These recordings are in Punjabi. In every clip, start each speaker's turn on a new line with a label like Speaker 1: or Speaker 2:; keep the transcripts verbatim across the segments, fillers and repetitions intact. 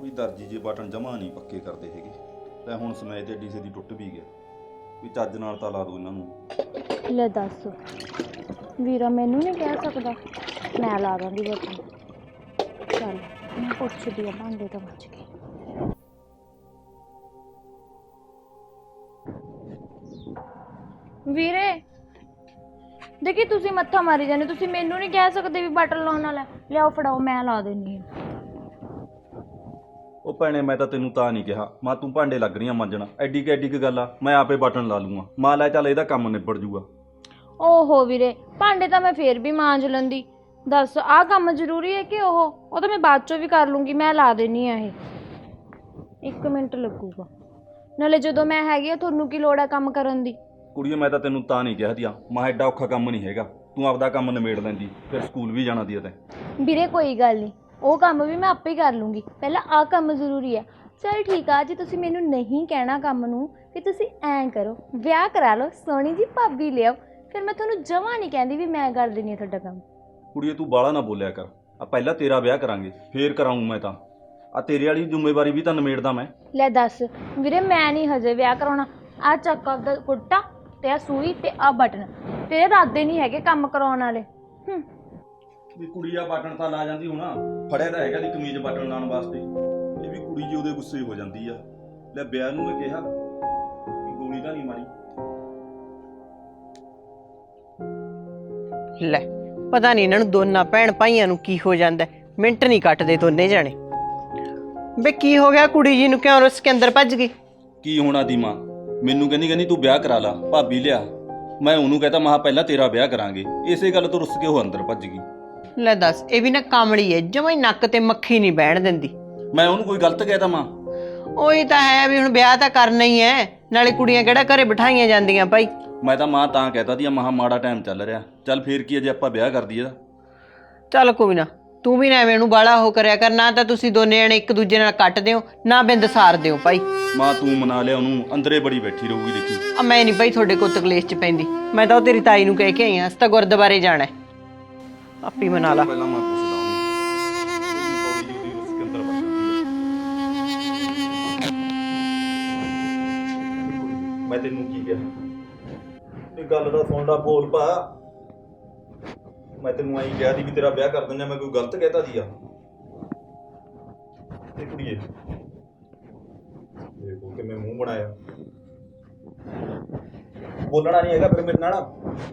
Speaker 1: ਵੀ ਦਰਜੀ ਜੇ ਬਟਨ ਜਮਾ ਨਹੀਂ ਪੱਕੇ ਕਰਦੇ ਹੈਗੇ ਤੇ ਹੁਣ ਸਮੇਂ ਤੇ ਡੀਸੇ ਦੀ ਟੁੱਟ ਵੀ ਗਿਆ ਵੀ ਚੱਜ ਨਾਲ ਤਾਂ ਲਾ ਦੋ ਇਹਨਾਂ ਨੂੰ।
Speaker 2: ਲੈ ਦੱਸ ਵੀਰਾ ਮੈਨੂੰ ਨਹੀਂ ਕਹਿ ਸਕਦਾ, ਮੈਂ ਲਾ ਦਾਂਗੀ ਬਟਨ। ਚੱਲ ਮੈਂ ਪੁੱਛਦੀ ਆ ਭਾਂਡੇ ਤੋਂ ਬਚ ਕੇ। ਵੀਰੇ ਦੇਖੀ ਤੁਸੀਂ ਮੱਥਾ ਮਾਰੀ ਜਾਂਦੇ, ਤੁਸੀਂ ਮੈਨੂੰ ਨਹੀਂ ਕਹਿ ਸਕਦੇ ਵੀ ਬਟਨ ਲਾਉਣ ਵਾਲਾ। ਲਿਆਓ ਫੜਾਓ, ਮੈਂ ਲਾ ਦਿੰਦੀ ਹਾਂ।
Speaker 1: ਉਹ ਭੈਣੇ ਮੈਂ ਤਾਂ ਤੈਨੂੰ ਤਾਂ ਨਹੀਂ ਕਿਹਾ, ਮਾਂ ਤੂੰ ਭਾਂਡੇ ਲੱਗ ਰਹੀਆਂ ਮਾਂਜਣਾ, ਐਡੀ ਕਿ ਐਡੀ ਕੁ ਗੱਲ ਆ, ਮੈਂ ਆਪੇ ਬਟਨ ਲਾ ਲੂੰਗਾ। ਮਾਂ ਲੈ ਚੱਲ ਇਹਦਾ ਕੰਮ ਨਿਬੜ ਜੂਗਾ।
Speaker 2: ਓਹੋ ਵੀਰੇ ਭਾਂਡੇ ਤਾਂ ਮੈਂ ਫੇਰ ਵੀ ਮਾਂਜ ਲੈਂਦੀ, ਦੱਸ ਆਹ ਕੰਮ ਜ਼ਰੂਰੀ ਹੈ ਕਿ ਉਹ ਉਹ ਤਾਂ ਮੈਂ ਬਾਅਦ ਚੋਂ ਵੀ ਕਰ ਲੂੰਗੀ। ਮੈਂ ਲਾ ਦੇਣੀ ਆ, ਇਹ ਇੱਕ ਮਿੰਟ ਲੱਗੂਗਾ। ਨਾਲੇ ਜਦੋਂ ਮੈਂ ਹੈਗੀ ਆ ਤੁਹਾਨੂੰ ਕੀ ਲੋੜ ਆ ਕੰਮ ਕਰਨ ਦੀ।
Speaker 1: ਕੁੜੀਏ ਮੈਂ ਤਾਂ ਤੈਨੂੰ ਤਾਂ ਨਹੀਂ ਕਿਹਾ ਦੀਆ, ਮਾਂ ਐਡਾ ਔਖਾ ਕੰਮ ਨਹੀਂ ਹੈਗਾ, ਤੂੰ ਆਪਦਾ ਕੰਮ ਨਿਬੇੜ ਲੈਂਦੀ, ਫਿਰ ਸਕੂਲ ਵੀ ਜਾਣਾ ਦੀ ਤੈਂ।
Speaker 2: ਵੀਰੇ ਕੋਈ ਗੱਲ ਨਹੀਂ, ਉਹ ਕੰਮ ਵੀ ਮੈਂ ਆਪੇ ਹੀ ਕਰ ਲੂੰਗੀ, ਪਹਿਲਾਂ ਆਹ ਕੰਮ ਜ਼ਰੂਰੀ ਆ। ਚਲ ਠੀਕ ਆ, ਜੇ ਤੁਸੀਂ ਮੈਨੂੰ ਨਹੀਂ ਕਹਿਣਾ ਕੰਮ ਨੂੰ ਕਿ ਤੁਸੀਂ ਐਂ ਕਰੋ ਵਿਆਹ ਕਰਾ ਲਓ, ਸੋਹਣੀ ਜੀ ਭਾਬੀ ਲਿਆਓ, ਫਿਰ ਮੈਂ ਤੁਹਾਨੂੰ ਜਮਾਂ ਨਹੀਂ ਕਹਿੰਦੀ ਵੀ ਮੈਂ ਕਰ ਦਿੰਦੀ ਹਾਂ ਤੁਹਾਡਾ ਕੰਮ।
Speaker 1: ਕੁੜੀਏ ਤੂੰ ਬਾਹਲਾ ਨਾ ਬੋਲਿਆ ਕਰ, ਆ ਪਹਿਲਾਂ ਤੇਰਾ ਵਿਆਹ ਕਰਾਂਗੇ ਫੇਰ ਕਰਾਊਂ ਮੈਂ ਤਾਂ, ਆ ਤੇਰੇ ਵਾਲੀ ਜ਼ਿੰਮੇਵਾਰੀ ਵੀ ਤਾਂ ਨਿਬੇੜਦਾ ਮੈਂ। ਲੈ
Speaker 2: ਦੱਸ ਵੀਰੇ ਮੈਂ ਨਹੀਂ ਹਜੇ ਵਿਆਹ ਕਰਾਉਣਾ। ਆਹ ਚੱਕ ਆਪਦਾ ਕੁੜਤਾ ਤੇ ਆ ਸੂਈ ਤੇ ਆ ਬਟਨ, ਤੇਰੇ ਇਰਾਦੇ ਨਹੀਂ ਹੈਗੇ ਕੰਮ ਕਰਾਉਣ ਵਾਲੇ। ਹੂੰ
Speaker 1: ਵੀ ਕੁੜੀ ਆ ਬਟਨ ਤਾਂ ਲਾ ਜਾਂਦੀ ਹੋਣਾ, ਫੜਿਆ ਤਾਂ ਹੈਗਾ ਦੀ ਕਮੀਜ਼ ਬਟਨ ਲਾਉਣ ਵਾਸਤੇ। ਇਹ ਵੀ ਕੁੜੀ ਜੀ ਉਹਦੇ ਗੁੱਸੇ ਹੋ ਜਾਂਦੀ ਆ। ਲੈ ਵਿਆਹ ਨੂੰ ਮੈਂ ਕਿਹਾ ਕਿ ਗੋਲੀ ਤਾਂ ਨਹੀਂ ਮਾਰੀ।
Speaker 3: ਲੈ ਪਤਾ ਨਹੀਂ ਇਹਨਾਂ ਨੂੰ ਦੋਨਾਂ ਭੈਣ ਭਾਈਆਂ ਨੂੰ ਕੀ ਹੋ ਜਾਂਦਾ, ਮਿੰਟ ਨਹੀਂ ਕੱਟਦੇ ਦੋਨੇ ਜਾਣੇ। ਬੇ ਕੀ ਹੋ ਗਿਆ ਕੁੜੀ ਜੀ ਨੂੰ, ਕਿਉਂ ਰੁੱਸ ਕੇ ਅੰਦਰ ਭੱਜ ਗਈ?
Speaker 1: ਕੀ ਹੋਣਾ ਦੀ ਮਾਂ, ਮੈਨੂੰ ਕਹਿੰਦੀ ਕਹਿੰਦੀ ਤੂੰ ਵਿਆਹ ਕਰਾ ਲਾ ਭਾਬੀ ਲਿਆ। ਮੈਂ ਉਹਨੂੰ ਕਹਤਾ ਮਹਾ ਪਹਿਲਾਂ ਤੇਰਾ ਵਿਆਹ ਕਰਾਂਗੇ, ਇਸੇ ਗੱਲ ਤੋਂ ਰੁੱਸ ਕੇ ਉਹ ਅੰਦਰ ਭੱਜ ਗਈ।
Speaker 3: ਲੈ ਦੱਸ, ਇਹ ਵੀ ਨਾ ਕਾਮੜੀ ਹੈ, ਜਮਾਂ ਹੀ ਨੱਕ ਤੇ ਮੱਖੀ ਨਹੀਂ ਬਹਿਣ ਦਿੰਦੀ।
Speaker 1: ਮੈਂ ਉਹਨੂੰ ਕੋਈ ਗਲਤ ਕਹਿਤਾ ਮਾਂ?
Speaker 3: ਉਹੀ ਤਾਂ ਹੈ ਵੀ ਹੁਣ ਵਿਆਹ ਤਾਂ ਕਰਨਾ ਹੀ ਹੈ, ਨਾਲੇ ਕੁੜੀਆਂ ਕਿਹੜਾ ਘਰੇ ਬਿਠਾਈਆਂ ਜਾਂਦੀਆਂ ਭਾਈ।
Speaker 1: ਮੈਂ ਤਾਂ ਮਾਂ ਤਾਂ ਕਹਿਤਾ ਦੀ ਮਹਾ ਮਾੜਾ ਟਾਈਮ ਚੱਲ ਰਿਹਾ, ਚੱਲ ਫੇਰ ਕੀ ਜੇ ਆਪਾਂ ਵਿਆਹ ਕਰ ਦਈਏ ਤਾਂ।
Speaker 3: ਚੱਲ ਕੋਈ ਨਾ, ਤੂੰ ਵੀ ਨਾ ਐਵੇਂ ਨੂੰ ਬਾਲਾ ਉਹ ਕਰਿਆ ਕਰ, ਨਾ ਤਾਂ ਤੁਸੀਂ ਦੋਨੇ ਜਣੇ ਇੱਕ ਦੂਜੇ ਨਾਲ ਕੱਟਦੇ ਹੋ, ਨਾ ਬਿੰਦ ਸਾਰਦੇ ਹੋ ਭਾਈ।
Speaker 1: ਮਾਂ ਤੂੰ ਮਨਾ ਲਿਆ ਉਹਨੂੰ, ਅੰਦਰੇ ਬੜੀ ਬੈਠੀ ਰਹੂਗੀ ਦੇਖੀ।
Speaker 3: ਆ ਮੈਂ ਨਹੀਂ ਭਾਈ ਤੁਹਾਡੇ ਕੋਲ ਤਕਲੀਫ ਚ ਪੈਂਦੀ, ਮੈਂ ਤਾਂ ਉਹ ਤੇਰੀ ਤਾਈ ਨੂੰ ਕਹਿ ਕੇ ਆਈ ਹਾਂ, ਅਸੀਂ ਤਾਂ ਗੁਰਦੁਆਰੇ ਜਾਣਾ, ਆਪੀ ਮਨਾ ਲਾ।
Speaker 1: ਪਹਿਲਾਂ ਮੈਂ ਪੁੱਛਦਾ ਉਹਨੂੰ, ਪੌੜੀ ਜੀ ਉਹਦੀ ਰੁੱਸ ਕੇ ਅੰਦਰ ਵੜ ਜਾਂਦੀ ਹੈ। ਮੈਂ ਤੈਨੂੰ ਕੀ ਕਿਹਾ, ਇਹ ਗੱਲ ਦਾ ਸੁਣ ਲਾ, ਬੋਲ ਪਾ। ਮੈਂ ਤੈਨੂੰ ਆਈ ਕਿਹਾ ਦੀ ਵੀ ਤੇਰਾ ਵਿਆਹ ਕਰ ਦਿੰਦਾ, ਮੈਂ ਕੋਈ ਗਲਤ ਕਹਿਤਾ ਦੀ ਆ? ਇਹ ਕੁੜੀਏ ਦੇਖੋ ਕਿਵੇਂ ਮੂੰਹ ਬਣਾਇਆ, ਬੋਲਣਾ ਨਹੀਂ ਹੈਗਾ ਫਿਰ ਮੇਰੇ ਨਾਲ।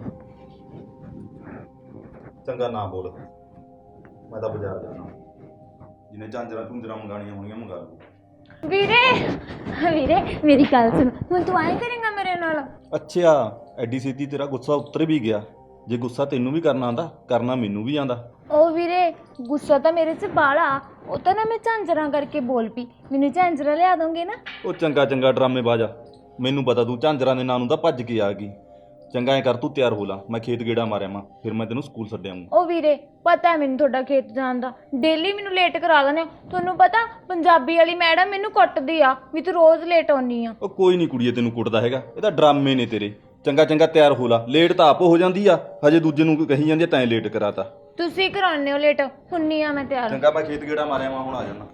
Speaker 1: ਚੰਗਾ ਨਾ ਬੋਲ, ਮੈਂ ਤਾਂ ਬਾਜ਼ਾਰ ਜਾਣਾ, ਜਿਹਨੇ ਝਾਂਜਰਾਂ ਝੁੰਜਰਾਂ ਮੰਗਾਣੀਆਂ ਹੋਣੀਆਂ ਮੰਗਾ ਲਓ।
Speaker 2: ਵੀਰੇ ਵੀਰੇ ਮੇਰੀ ਗੱਲ ਸੁਣ, ਹੁਣ ਤੂੰ ਆਏ ਕਰੇਂਗਾ ਮੇਰੇ ਨਾਲ?
Speaker 1: ਅੱਛਾ ਐਡੀ ਸਿੱਧੀ ਤੇਰਾ ਗੁੱਸਾ ਉਤਰ ਵੀ ਗਿਆ। ਜੇ ਗੁੱਸਾ ਤੈਨੂੰ ਵੀ ਕਰਨਾ ਆਂਦਾ, ਕਰਨਾ ਮੈਨੂੰ ਵੀ ਆਂਦਾ।
Speaker 2: ਉਹ ਵੀਰੇ ਗੁੱਸਾ ਤਾਂ ਮੇਰੇ 'ਚ ਬਾਲਾ, ਉਹ ਤਾਂ ਨਾ ਮੈਂ ਝਾਂਜਰਾਂ ਕਰਕੇ ਬੋਲ ਪਈ, ਮੈਨੂੰ ਝਾਂਜਰਾਂ ਲਿਆ ਦੋਗੇ ਨਾ?
Speaker 1: ਉਹ ਚੰਗਾ ਚੰਗਾ ਡਰਾਮੇ ਬਾਜਾ, ਮੈਨੂੰ ਪਤਾ ਤੂੰ ਝਾਂਜਰਾਂ ਦੇ ਨਾਂ ਨੂੰ ਤਾਂ ਭੱਜ ਕੇ ਆ ਗਈ। ਚੰਗਾ ਐ ਕਰ ਤੂੰ ਤਿਆਰ ਹੋ ਲਾ, ਮੈਂ ਖੇਤ ਗੇੜਾ ਮਾਰਿਆ ਮਾਂ, ਫਿਰ ਮੈਂ ਤੈਨੂੰ ਸਕੂਲ ਛੱਡ ਆਊਂਗਾ।
Speaker 2: ਉਹ ਵੀਰੇ ਪਤਾ ਮੈਨੂੰ ਤੁਹਾਡਾ ਖੇਤ ਜਾਣ ਦਾ, ਡੇਲੀ ਮੈਨੂੰ ਲੇਟ ਕਰਾ ਦਿੰਦੇ ਹੋ। ਤੁਹਾਨੂੰ ਪਤਾ ਪੰਜਾਬੀ ਵਾਲੀ ਮੈਡਮ ਮੈਨੂੰ ਕੁੱਟਦੀ ਆ ਵੀ ਤੂੰ ਰੋਜ਼ ਲੇਟ ਆਉਣੀ ਆ।
Speaker 1: ਉਹ ਕੋਈ ਨਹੀਂ ਕੁੜੀਏ ਤੈਨੂੰ ਕੁੱਟਦਾ ਹੈਗਾ, ਇਹ ਤਾਂ ਡਰਾਮੇ ਨੇ ਤੇਰੇ। ਚੰਗਾ ਚੰਗਾ ਤਿਆਰ ਹੋ ਲਾ, ਲੇਟ ਤਾਂ ਆਪ ਹੋ ਜਾਂਦੀ ਆ, ਹਜੇ ਦੂਜੇ ਨੂੰ ਕਹੀ ਜਾਂਦੀ ਆ ਤੈਂ ਲੇਟ ਕਰਾਤਾ।
Speaker 2: ਤੁਸੀਂ ਕਰਾਉਂਦੇ ਹੋ ਲੇਟ, ਹੁੰਨੀ ਆ ਮੈਂ ਤਿਆਰ।
Speaker 1: ਚੰਗਾ ਮੈਂ ਖੇਤ ਗੇੜਾ ਮਾਰਿਆ ਮਾਂ, ਹੁਣ ਆ ਜਾਣਾ।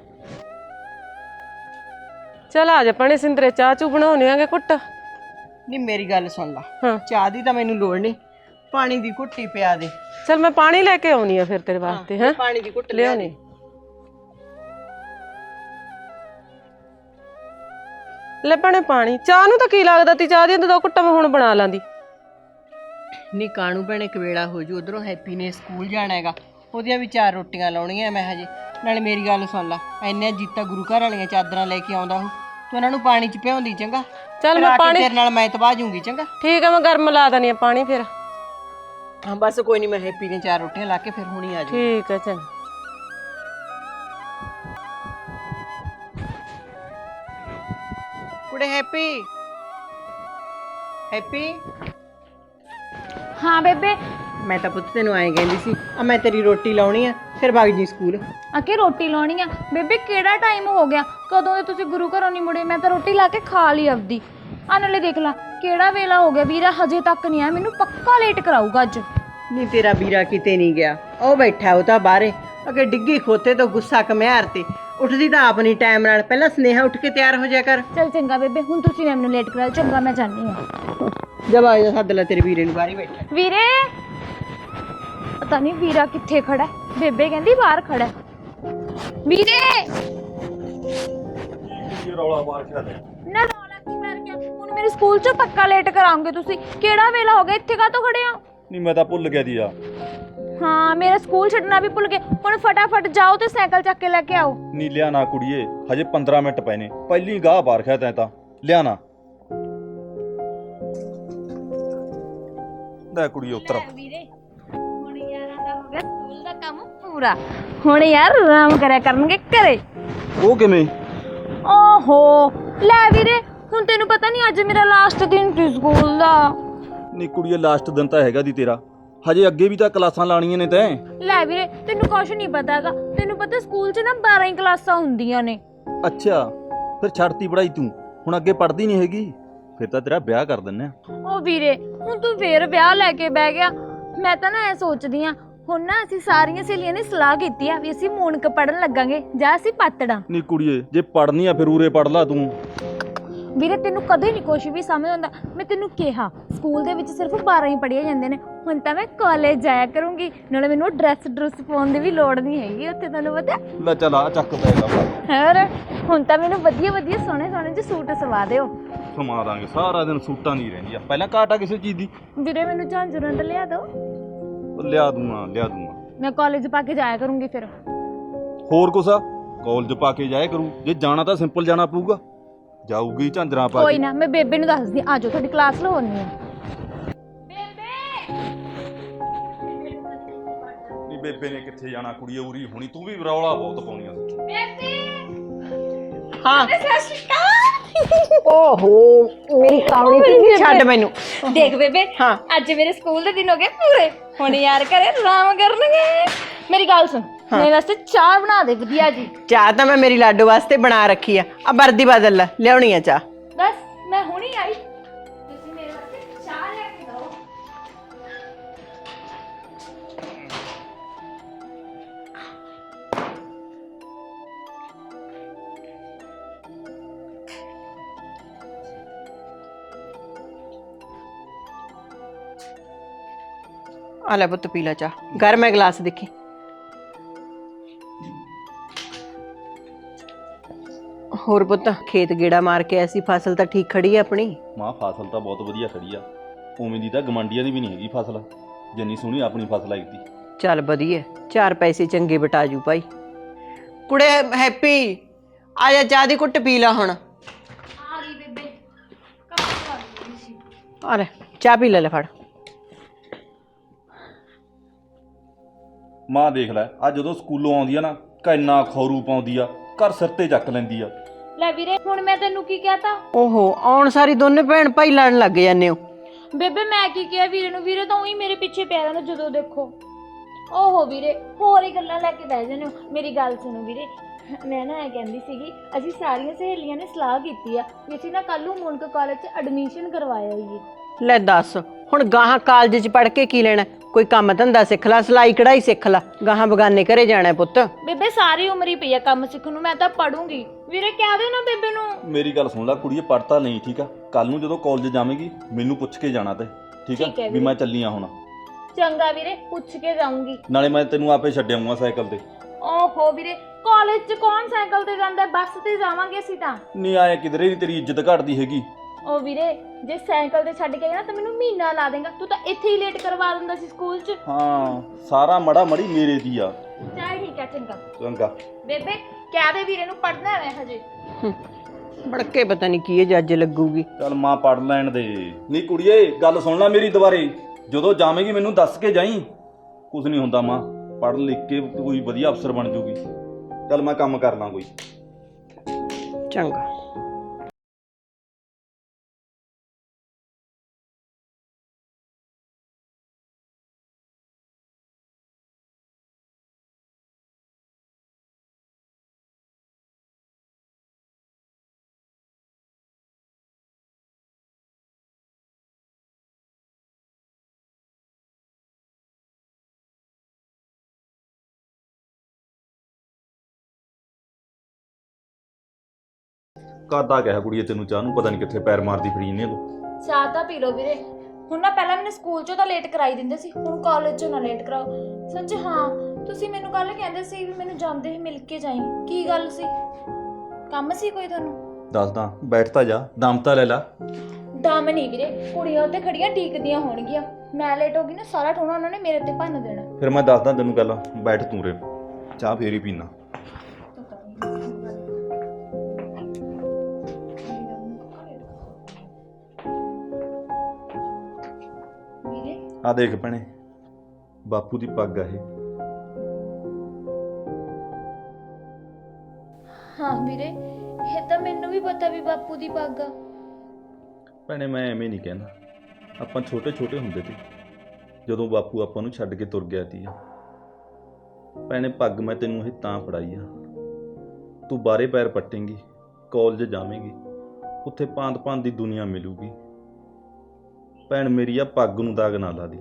Speaker 4: ਚੱਲ ਆ ਜਾ ਭੈਣੇ ਸਿੰਦਰੇ, ਚਾਹ ਚੂ ਬਣਾਉਣੇ ਆਂਗੇ ਕੁੱਟ।
Speaker 3: ਨਹੀਂ ਮੇਰੀ ਗੱਲ ਸੁਣ ਲਾ,
Speaker 4: ਹਾਂ
Speaker 3: ਚਾਹ ਦੀ ਤਾਂ ਮੈਨੂੰ ਲੋੜ ਨਹੀਂ, ਪਾਣੀ ਦੀ ਘੁੱਟੀ ਪਿਆ ਦੇ।
Speaker 4: ਚੱਲ ਮੈਂ ਪਾਣੀ ਲੈ ਕੇ ਆਉਣੀ ਆ ਫਿਰ ਤੇਰੇ ਵਾਸਤੇ। ਹੈ
Speaker 3: ਪਾਣੀ ਦੀ ਘੁੱਟ
Speaker 4: ਲਿਆਉਣੀ। ਲੈ ਭੈਣੇ ਪਾਣੀ, ਚਾਹ ਨੂੰ ਤਾਂ ਕੀ ਲੱਗਦਾ ਤੀ, ਚਾਹ ਦੀਆਂ ਤਾਂ ਦੋ ਘੁੱਟਾਂ ਮੈਂ ਹੁਣ ਬਣਾ ਲਾਂਦੀ।
Speaker 3: ਨਹੀਂ ਕਾਣੂ ਭੈਣੇ ਕਵੇਲਾ ਹੋ ਜੂ, ਉਧਰੋਂ ਹੈਪੀ ਨੇ ਸਕੂਲ ਜਾਣਾ ਹੈਗਾ, ਉਹਦੀਆਂ ਵੀ ਚਾਰ ਰੋਟੀਆਂ ਲਾਉਣੀਆਂ ਮੈਂ ਹਜੇ। ਨਾਲੇ ਮੇਰੀ ਗੱਲ ਸੁਣ ਲਾ, ਇੰਨੇ ਜੀਤਾ ਗੁਰੂ ਘਰ ਵਾਲੀਆਂ ਚਾਦਰਾਂ ਲੈ ਕੇ ਆਉਂਦਾ ਉਹ, ਤੂੰ ਉਹਨਾਂ ਨੂੰ ਪਾਣੀ 'ਚ ਭਿਉਂਦੀ ਚੰਗਾ।
Speaker 4: ਚੱਲ ਮੈਂ ਪਾਣੀ
Speaker 3: ਤੇਰੇ ਨਾਲ ਮੈਂ ਤਬਾਹ ਜੂੰਗੀ ਚੰਗਾ।
Speaker 4: ਠੀਕ ਆ, ਮੈਂ ਗਰਮ ਲਾ ਦਣੀ ਆ ਪਾਣੀ ਫਿਰ।
Speaker 3: ਹਾਂ ਬਸ ਕੋਈ ਨਹੀਂ, ਮੈਂ ਹੈਪੀ ਨੇ ਚਾਰ ਰੋਟੀਆਂ ਲਾ ਕੇ ਫਿਰ ਹੁਣੀ ਆ ਜੂ।
Speaker 4: ਠੀਕ ਆ ਚੰਗਾ।
Speaker 3: ਕੁੜੇ ਹੈਪੀ, ਹੈਪੀ।
Speaker 2: ਹਾਂ ਬੇਬੇ।
Speaker 3: ਮੈਂ ਤਾਂ ਪੁੱਤ ਤੈਨੂੰ ਐਂ ਕਹਿੰਦੀ ਸੀ, ਆ ਮੈਂ ਤੇਰੀ ਰੋਟੀ ਲਾਉਣੀ ਆ, ਫਿਰ ਵਗ ਜੀ ਸਕੂਲ।
Speaker 2: ਅਕੇ ਰੋਟੀ ਲਾਉਣੀ ਆ? ਬੇਬੇ ਕਿਹੜਾ ਟਾਈਮ ਹੋ ਗਿਆ, ਕਦੋਂ ਦੇ ਤੁਸੀਂ ਗੁਰੂ ਘਰੋਂ ਨਹੀਂ ਮੁੜੇ? ਮੈਂ ਤਾਂ ਰੋਟੀ ਲਾ ਕੇ ਖਾ ਲਈ ਆਪਦੀ। ਆ ਨਾਲੇ ਦੇਖ ਲਾ ਕਿਹੜਾ ਵੇਲਾ ਹੋ ਗਿਆ, ਵੀਰਾ ਹਜੇ ਤੱਕ ਨਹੀਂ ਆਇਆ, ਮੈਨੂੰ ਪੱਕਾ ਲੇਟ ਕਰਾਊਗਾ ਅੱਜ।
Speaker 3: ਨਹੀਂ ਤੇਰਾ ਵੀਰਾ ਕਿਤੇ ਨਹੀਂ ਗਿਆ, ਉਹ ਬੈਠਾ ਉਹ ਤਾਂ ਬਾਹਰੇ, ਅਗੇ ਡਿੱਗੀ ਖੋਤੇ ਤੋਂ ਗੁੱਸਾ ਕਮਿਆਰ ਤੇ ਉੱਠਦੀ ਤਾਂ ਆਪ ਨਹੀਂ ਟਾਈਮ ਨਾਲ, ਪਹਿਲਾਂ ਸਨੇਹਾ ਉੱਠ ਕੇ ਤਿਆਰ ਹੋ ਜਾ ਕਰ।
Speaker 2: ਚਲ ਚੰਗਾ ਬੇਬੇ, ਹੁਣ ਤੁਸੀਂ ਮੈਨੂੰ ਲੇਟ ਕਰਾ ਚੰਗਾ, ਮੈਂ ਜਾਂਦੀ ਹਾਂ।
Speaker 3: ਜਬ ਆ ਜਾ, ਸੱਦ ਲੈ ਤੇਰੇ ਵੀਰੇ ਨੂੰ, ਬਾਹਰ ਹੀ ਬੈਠਾ।
Speaker 2: ਵੀਰੇ, ਪਤਾ ਨਹੀਂ ਵੀਰਾ ਕਿੱਥੇ ਖੜਾ ਹੈ। ਬੇਬੇ ਕਹਿੰਦੀ ਬਾਹਰ ਖੜਾ ਹੈ। ਵੀਰੇ
Speaker 1: ਕੀ ਰੌਲਾ ਮਾਰ ਕੇ ਲੈ
Speaker 2: ਨਾ, ਰੌਲਾ ਕੀ ਕਰ ਗਿਆ? ਹੁਣ ਮੇਰੇ ਸਕੂਲ 'ਚ ਪੱਕਾ ਲੇਟ ਕਰਾਉਂਗੇ ਤੁਸੀਂ। ਕਿਹੜਾ ਵੇਲਾ ਹੋ ਗਿਆ, ਇੱਥੇ ਕਾਹਤੋਂ ਖੜੇ ਹੋ?
Speaker 1: ਨਹੀਂ ਮੈਂ ਤਾਂ ਭੁੱਲ ਗਿਆ ਦੀ ਆ।
Speaker 2: ਹਾਂ, ਮੇਰਾ ਸਕੂਲ ਛੱਡਣਾ ਵੀ ਭੁੱਲ ਗਏ। ਹੁਣ ਫਟਾਫਟ ਜਾਓ ਤੇ ਸਾਈਕਲ ਚੱਕ ਕੇ ਲੈ ਕੇ ਆਓ।
Speaker 1: ਨਹੀਂ ਲਿਆ ਨਾ ਕੁੜੀਏ, ਹਜੇ ਪੰਦਰਾਂ ਮਿੰਟ ਪਏ ਨੇ, ਪਹਿਲੀ ਗਾਹ ਬਾਹਰ ਖਿਆ ਤੈਂ ਤਾਂ ਲਿਆ ਨਾ। ਲੈ ਕੁੜੀਏ ਉੱਤਰ।
Speaker 2: ਵੀਰੇ ਹੁਣ ਯਾਰਾਂ ਦਾ ਹੋ ਗਿਆ ਸਕੂਲ ਦਾ ਕੰਮ ਪੂਰਾ। ਹੁਣ ਯਾਰ ਆਰਾਮ ਕਰਿਆ ਕਰਨਗੇ ਘਰੇ।
Speaker 1: ਉਹ ਕਿਵੇਂ?
Speaker 2: ਓਹੋ ਲੈ ਵੀਰੇ, ਹੁਣ ਤੈਨੂੰ ਪਤਾ ਨਹੀਂ ਅੱਜ ਮੇਰਾ ਲਾਸਟ ਦਿਨ ਸੀ ਸਕੂਲ ਦਾ।
Speaker 1: ਨਹੀਂ ਕੁੜੀਏ, ਲਾਸਟ ਦਿਨ ਤਾਂ ਹੈਗਾ ਦੀ ਤੇਰਾ, ਹਜੇ ਅੱਗੇ ਵੀ ਤਾਂ ਕਲਾਸਾਂ ਲਾਣੀਆਂ ਨੇ ਤੈਂ।
Speaker 2: ਲੈ ਵੀਰੇ, ਤੈਨੂੰ ਕੁਛ ਨਹੀਂ ਪਤਾ ਹੈਗਾ। ਤੈਨੂੰ ਪਤਾ ਸਕੂਲ 'ਚ ਨਾ ਬਾਰਾਂ ਹੀ ਕਲਾਸਾਂ ਹੁੰਦੀਆਂ ਨੇ।
Speaker 1: ਅੱਛਾ, ਫਿਰ ਛੱਡਤੀ ਪੜਾਈ ਤੂੰ, ਹੁਣ ਅੱਗੇ ਪੜਦੀ ਨਹੀਂ ਹੈਗੀ, ਫਿਰ ਤਾਂ ਤੇਰਾ ਵਿਆਹ ਕਰ ਦਿੰਨੇ ਆ।
Speaker 2: ਓ ਵੀਰੇ, ਹੁਣ ਤੂੰ ਫੇਰ ਵਿਆਹ ਲੈ ਕੇ ਬਹਿ ਗਿਆ। ਮੈਂ ਤਾਂ ਨਾ ਐ ਸੋਚਦੀ ਆ, ਹੁਣ ਨਾ ਅਸੀਂ ਸਾਰੀਆਂ ਸਹੇਲੀਆਂ ਨੇ ਸਲਾਹ ਕੀਤੀ ਆ ਵੀ ਅਸੀਂ ਮੂਨਕ ਪੜਨ ਲੱਗਾਂਗੇ ਜਾਂ ਅਸੀਂ ਪਾਤੜਾਂ।
Speaker 1: ਨਹੀਂ ਕੁੜੀਏ, ਜੇ ਪੜਨੀ ਆ ਫਿਰ ਉਰੇ ਪੜ ਲਾ ਤੂੰ।
Speaker 2: ਵੀਰੇ ਤੈਨੂੰ ਕਦੇ ਨਹੀਂ ਕੁਛ ਵੀ ਸਮਝ ਆਉਂਦਾ। ਮੈਂ ਤੈਨੂੰ ਕਿਹਾ ਸਕੂਲ ਦੇ ਵਿੱਚ ਸਿਰਫ ਬਾਰਾਂ ਹੀ ਪੜ੍ਹੀਆਂ ਜਾਂਦੇ ਨੇ। ਹੁਣ ਤਾਂ ਮੈਂ ਕਾਲਜ ਜਾਇਆ ਕਰੂੰਗੀ, ਨਾਲੇ ਮੈਨੂੰ ਡਰੈਸ ਡਰੈਸ ਪਾਉਣ ਦੀ ਵੀ ਲੋੜ ਨਹੀਂ ਹੈਗੀ ਉੱਥੇ, ਤੈਨੂੰ ਪਤਾ।
Speaker 1: ਲੈ ਚੱਲ ਆ ਚੱਕ ਪੈਗਾ।
Speaker 2: ਹੋਰ ਹੁਣ ਤਾਂ ਮੈਨੂੰ ਵਧੀਆ ਵਧੀਆ ਸੋਹਣੇ ਸੋਹਣੇ ਜਿਹੇ ਸੂਟ ਸਵਾ ਦਿਓ।
Speaker 1: ਸਮਾ ਦਾਂਗੇ, ਸਾਰਾ ਦਿਨ ਸੂਟਾਂ ਦੀ ਰਹਿੰਦੀ ਆ। ਪਹਿਲਾਂ ਘਾਟਾ ਕਿਸੇ ਚੀਜ਼ ਦੀ?
Speaker 2: ਵੀਰੇ ਮੈਨੂੰ ਝਾਂਜਰਾਂ ਤਾਂ ਲਿਆ ਦਿਓ।
Speaker 1: ਉਹ ਲਿਆ ਦੂੰਗਾ ਲਿਆ ਦੂੰਗਾ।
Speaker 2: ਮੈਂ ਕਾਲਜ ਪਾ ਕੇ ਜਾਇਆ ਕਰੂੰਗੀ ਫਿਰ।
Speaker 1: ਹੋਰ ਕੁਛ ਆ? ਕਾਲਜ ਪਾ ਕੇ ਜਾਇਆ ਕਰੂ, ਜੇ ਜਾਣਾ ਤਾਂ ਸਿੰਪਲ ਜਾਣਾ ਪਊਗਾ। ਜਾਊਗੀ ਝਾਂਜਰਾਂ ਪਾ ਕੇ।
Speaker 2: ਕੋਈ ਨਾ, ਮੈਂ ਬੇਬੇ ਨੂੰ ਦੱਸਦੀ ਆ ਜਾਓ, ਤੁਹਾਡੀ ਕਲਾਸ ਲਵਾਉਣੀ ਆ।
Speaker 1: ਨਹੀਂ ਬੇਬੇ ਨੇ ਕਿੱਥੇ ਜਾਣਾ ਕੁੜੀਏ, ਉਰੀ ਹੋਣੀ। ਤੂੰ ਵੀ ਰੌਲਾ ਬਹੁਤ ਪਾਉਣੀ ਆ।
Speaker 3: ਹਾਂ ਓਹੋ ਮੇਰੀ ਕਾਵਲੀ ਤੇ ਛੱਡ ਮੈਨੂੰ।
Speaker 2: ਦੇਖ ਬੇਬੇ,
Speaker 3: ਹਾਂ
Speaker 2: ਅੱਜ ਮੇਰੇ ਸਕੂਲ ਦੇ ਦਿਨ ਹੋ ਗਏ ਪੂਰੇ। ਹੁਣ ਯਾਰ ਘਰੇ ਆਰਾਮ ਕਰਨਗੇ। ਮੇਰੀ ਗੱਲ ਸੁਣ, ਮੇਰੇ ਵਾਸਤੇ ਚਾਹ ਬਣਾ ਦੇ ਵਧੀਆ ਜੀ।
Speaker 3: ਚਾਹ ਤਾਂ ਮੈਂ ਮੇਰੀ ਲਾਡੋ ਵਾਸਤੇ ਬਣਾ ਰੱਖੀ ਆ। ਆ ਵਰਦੀ ਬਦਲ ਲੈ, ਲਿਆਉਣੀ ਆ ਚਾਹ।
Speaker 2: ਬਸ ਮੈਂ ਹੁਣੀ ਆਈ, ਤੁਸੀਂ ਮੇਰੇ ਵਾਸਤੇ ਚਾਹ ਲੈ ਕੇ ਦਿਓ।
Speaker 3: ਆ ਲੈ ਪੁੱਤ ਪੀ ਲੈ ਚਾਹ, ਗਰਮ ਹੈ ਗਲਾਸ ਦੇਖੀ। ਹੋਰ ਪੁੱਤ, ਖੇਤ ਗੇੜਾ ਮਾਰ ਕੇ ਐਸੀ ਫਸਲ ਤਾਂ ਠੀਕ ਖੜੀ ਹੈ ਆਪਣੀ?
Speaker 1: ਮਾਂ ਫਸਲ ਤਾਂ ਬਹੁਤ ਵਧੀਆ ਖੜੀ ਆ, ਉਵੇਂ ਦੀ ਤਾਂ ਗਮੰਡੀਆਂ ਦੀ ਵੀ ਨਹੀਂ ਹੈਗੀ ਫਸਲ, ਜਿੰਨੀ ਸੋਹਣੀ ਆਪਣੀ ਫਸਲ ਆਈ ਤੀ।
Speaker 3: ਚੱਲ ਵਧੀਆ, ਚਾਰ ਪੈਸੇ ਚੰਗੇ ਬਟਾਜੂ ਭਾਈ। ਕੁੜੇ ਹੈਪੀ, ਆ ਜਾ ਚਾਹ ਦੀ ਘੁੱਟ ਪੀ ਲਾ ਹੁਣ।
Speaker 2: ਆ ਗਈ ਬੇਬੇ, ਕੰਮ ਕਰ ਰਹੀ ਸੀ।
Speaker 3: ਆ ਲੈ ਚਾਹ ਪੀ ਲੈ, ਲੈ ਫੜ।
Speaker 1: ਮਾਂ ਦੇਖ ਲੈ, ਆ ਜਦੋਂ ਸਕੂਲੋਂ ਆਉਂਦੀ ਆ ਨਾ, ਕਿੰਨਾ ਖੌਰੂ ਪਾਉਂਦੀ ਆ, ਘਰ ਸਿਰ ਤੇ ਚੱਕ ਲੈਂਦੀ ਆ।
Speaker 2: ਲੈ ਵੀਰੇ, ਹੁਣ ਮੈਂ ਤੈਨੂੰ ਕੀ ਕਹਤਾ?
Speaker 3: ਓਹੋ, ਆਉਣ ਸਾਰੀ ਦੋਨੇ ਭੈਣ ਭਾਈ ਲੜਨ ਲੱਗ ਜਾਂਦੇ ਹੋ।
Speaker 2: ਬੇਬੇ ਮੈਂ ਕੀ ਕਿਹਾ ਵੀਰੇ ਨੂੰ? ਵੀਰੇ ਤਾਂ ਉਹੀ ਮੇਰੇ ਪਿੱਛੇ ਪਿਆ ਰਹਿੰਦਾ ਜਦੋਂ ਦੇਖੋ। ਓਹੋ ਵੀਰੇ, ਹੋਰ ਹੀ ਗੱਲਾਂ ਲੈ ਕੇ ਬਹਿ ਜਾਂਦੇ ਹੋ। ਮੇਰੀ ਗੱਲ ਸੁਣੋ ਵੀਰੇ, ਮੈਂ ਨਾ ਇਹ ਕਹਿੰਦੀ ਸੀਗੀ, ਅਸੀਂ ਸਾਰੀਆਂ ਸਹੇਲੀਆਂ ਨੇ ਸਲਾਹ ਕੀਤੀ ਆ ਵੀ ਅਸੀਂ ਨਾ ਕੱਲ੍ਹ ਨੂੰ ਮੁਨਕ ਕਾਲਜ 'ਚ ਐਡਮਿਸ਼ਨ ਕਰਵਾਇਆ ਹੋਈਏ।
Speaker 3: ਲੈ ਦੱਸ, ਹੁਣ ਗਾਹਾਂ ਕਾਲਜ 'ਚ ਪੜ੍ਹ ਕੇ ਕੀ ਲੈਣਾ? ਕੋਈ ਕੰਮ ਧੰਦਾ ਸਿੱਖ ਲੈ, ਸਿਲਾਈ ਕਢਾਈ ਸਿੱਖ ਲੈ, ਗਾਹਾਂ ਬਗਾਨੇ ਘਰੇ ਜਾਣਾ ਪੁੱਤ।
Speaker 2: ਬੇਬੇ ਸਾਰੀ ਉਮਰ ਹੀ ਪਈ ਆ ਕੰਮ ਸਿੱਖਣ ਨੂੰ, ਮੈਂ ਤਾਂ ਪੜੂੰਗੀ। ਵੀਰੇ ਕਹਿ ਦੇ ਨਾ ਬੇਬੇ ਨੂੰ।
Speaker 1: ਮੇਰੀ ਗੱਲ ਸੁਣ ਲੈ ਕੁੜੀਏ, ਪੜ੍ਹਤਾ ਨਹੀਂ ਠੀਕ ਆ, ਕੱਲ ਨੂੰ ਜਦੋਂ ਕਾਲਜ ਜਾਵੇਂਗੀ ਮੈਨੂੰ ਪੁੱਛ ਕੇ ਜਾਣਾ ਤੇ, ਠੀਕ
Speaker 2: ਠੀਕ ਹੈ
Speaker 1: ਆ ਵੀ
Speaker 2: ਵੀਰੇ।
Speaker 1: ਮੈਂ ਚੱਲੀ ਆ ਹੁਣ।
Speaker 2: ਚੰਗਾ ਵੀਰੇ, ਪੁੱਛ ਕੇ ਜਾਊਂਗੀ।
Speaker 1: ਨਾਲੇ ਮੈਂ ਤੈਨੂੰ ਆਪੇ ਛੱਡ ਆਊਂਗਾ ਸਾਈਕਲ ਤੇ।
Speaker 2: ਓਹੋ ਵੀਰੇ, ਕਾਲਜ 'ਚ ਕੌਣ ਸਾਈਕਲ ਤੇ ਜਾਂਦਾ? ਬੱਸ ਤੇ ਜਾਵਾਂਗੇ ਅਸੀਂ ਤਾਂ।
Speaker 1: ਨਹੀਂ ਆਏ ਕਿਧਰੇ ਨਹੀਂ ਤੇਰੀ ਇੱਜ਼ਤ ਘਟਦੀ ਹੈਗੀ।
Speaker 2: ਓ ਵੀਰੇ, ਜੇ ਸਾਈਕਲ ਤੇ ਛੱਡ ਕੇ ਆਇਆ ਨਾ ਤਾਂ ਮੈਨੂੰ ਮਹੀਨਾ ਲਾ ਦੇਗਾ। ਤੂੰ ਤਾਂ ਇੱਥੇ ਹੀ ਲੇਟ ਕਰਵਾ ਦਿੰਦਾ ਸੀ ਸਕੂਲ 'ਚ।
Speaker 1: ਹਾਂ, ਸਾਰਾ ਮੜਾ ਮੜੀ ਮੇਰੇ ਦੀ ਆ।
Speaker 2: ਚੱਲ ਠੀਕ ਆ, ਚੰਗਾ।
Speaker 1: ਚੰਗਾ
Speaker 2: ਬੇਬੇ ਕਹਿ ਦੇ ਵੀਰੇ ਨੂੰ, ਪੜਨਾ ਹੈ ਹਜੇ।
Speaker 3: ਬੜਕੇ ਪਤਾ ਨਹੀਂ ਕੀ ਇਹ ਜੱਜ ਲੱਗੂਗੀ।
Speaker 1: ਚੱਲ ਮਾਂ ਪੜ ਲੈਣ ਦੇ। ਨਹੀਂ ਕੁੜੀਏ, ਗੱਲ ਸੁਣ ਲੈ ਮੇਰੀ ਦੁਬਾਰੇ, ਜਦੋਂ ਜਾਵੇਂਗੀ ਮੈਨੂੰ ਦੱਸ ਕੇ ਜਾਈਂ। ਕੁਝ ਨਹੀਂ ਹੁੰਦਾ ਮਾਂ, ਪੜ੍ਹ ਲਿਖ ਕੇ ਕੋਈ ਵਧੀਆ ਅਫਸਰ ਬਣ ਜੂਗੀ। ਚੱਲ ਮੈਂ ਕੰਮ ਕਰ ਲਾਂ ਕੋਈ।
Speaker 3: ਚੰਗਾ।
Speaker 1: ਕਾਦਾ ਕਿਹਾ ਕੁੜੀਏ ਤੈਨੂੰ ਚਾਹ ਨੂੰ, ਪਤਾ ਨਹੀਂ ਕਿੱਥੇ ਪੈਰ ਮਾਰਦੀ ਫਰੀ ਨੇ ਤੂੰ।
Speaker 2: ਚਾਹ ਤਾਂ ਪੀ ਲਓ ਵੀਰੇ। ਹੁਣ ਨਾ ਪਹਿਲਾਂ ਮੈਨੂੰ ਸਕੂਲ 'ਚੋਂ ਤਾਂ ਲੇਟ ਕਰਾਈ ਦਿੰਦੇ ਸੀ, ਹੁਣ ਕਾਲਜ 'ਚੋਂ ਨਾ ਲੇਟ ਕਰਾਓ। ਸੱਚ ਹਾਂ, ਤੁਸੀਂ ਮੈਨੂੰ ਕੱਲ ਕਹਿੰਦੇ ਸੀ ਵੀ ਮੈਨੂੰ ਜਾਂਦੇ ਹੀ ਮਿਲ ਕੇ ਜਾਈਂ, ਕੀ ਗੱਲ ਸੀ? ਕੰਮ ਸੀ ਕੋਈ ਤੁਹਾਨੂੰ?
Speaker 1: ਦੱਸਦਾ, ਬੈਠ ਤਾਂ ਜਾ, ਦਮ ਤਾਂ ਲੈ ਲਾ।
Speaker 2: ਦਮ ਨਹੀਂ ਵੀਰੇ, ਕੁੜੀਆਂ ਉੱਤੇ ਖੜੀਆਂ ਡੀਕਦੀਆਂ ਹੋਣਗੀਆਂ, ਮੈਂ ਲੇਟ ਹੋ ਗਈ ਨਾ ਸਾਰਾ ਠੋਣਾ ਉਹਨਾਂ ਨੇ ਮੇਰੇ ਤੇ ਭੰਨ ਦੇਣਾ।
Speaker 1: ਫਿਰ ਮੈਂ ਦੱਸਦਾ ਤੈਨੂੰ ਗੱਲ, ਬੈਠ ਤੂੰ ਰੇ, ਚਾਹ ਫੇਰ ਹੀ ਪੀਣਾ। ਆ ਦੇਖ ਭੈਣੇ, ਬਾਪੂ ਦੀ ਪੱਗ ਆ ਇਹ।
Speaker 2: ਹਾਂ ਵੀਰੇ, ਇਹ ਤਾਂ ਮੈਨੂੰ ਵੀ ਪਤਾ ਵੀ ਬਾਪੂ ਦੀ ਪੱਗ ਆ।
Speaker 1: ਭੈਣੇ ਮੈਂ ਐਵੇਂ ਨਹੀਂ ਕਹਿੰਦਾ, ਆਪਾਂ ਛੋਟੇ ਛੋਟੇ ਹੁੰਦੇ ਤੇ ਜਦੋਂ ਬਾਪੂ ਆਪਾਂ ਨੂੰ ਛੱਡ ਕੇ ਤੁਰ ਗਿਆ ਤੀ। ਭੈਣੇ ਪੱਗ ਮੈਂ ਤੈਨੂੰ ਇਹ ਤਾਂ ਫੜਾਈ ਆ, ਤੂੰ ਬਾਹਰੇ ਪੈਰ ਪੱਟੇਂਗੀ, ਕਾਲਜ ਜਾਵੇਂਗੀ, ਉੱਥੇ ਭਾਂਤ ਭਾਂਤ ਦੀ ਦੁਨੀਆ ਮਿਲੂਗੀ। ਭੈਣ ਮੇਰੀ ਆ ਪੱਗ ਨੂੰ ਦਾਗ ਨਾ ਲਾ ਦੀ।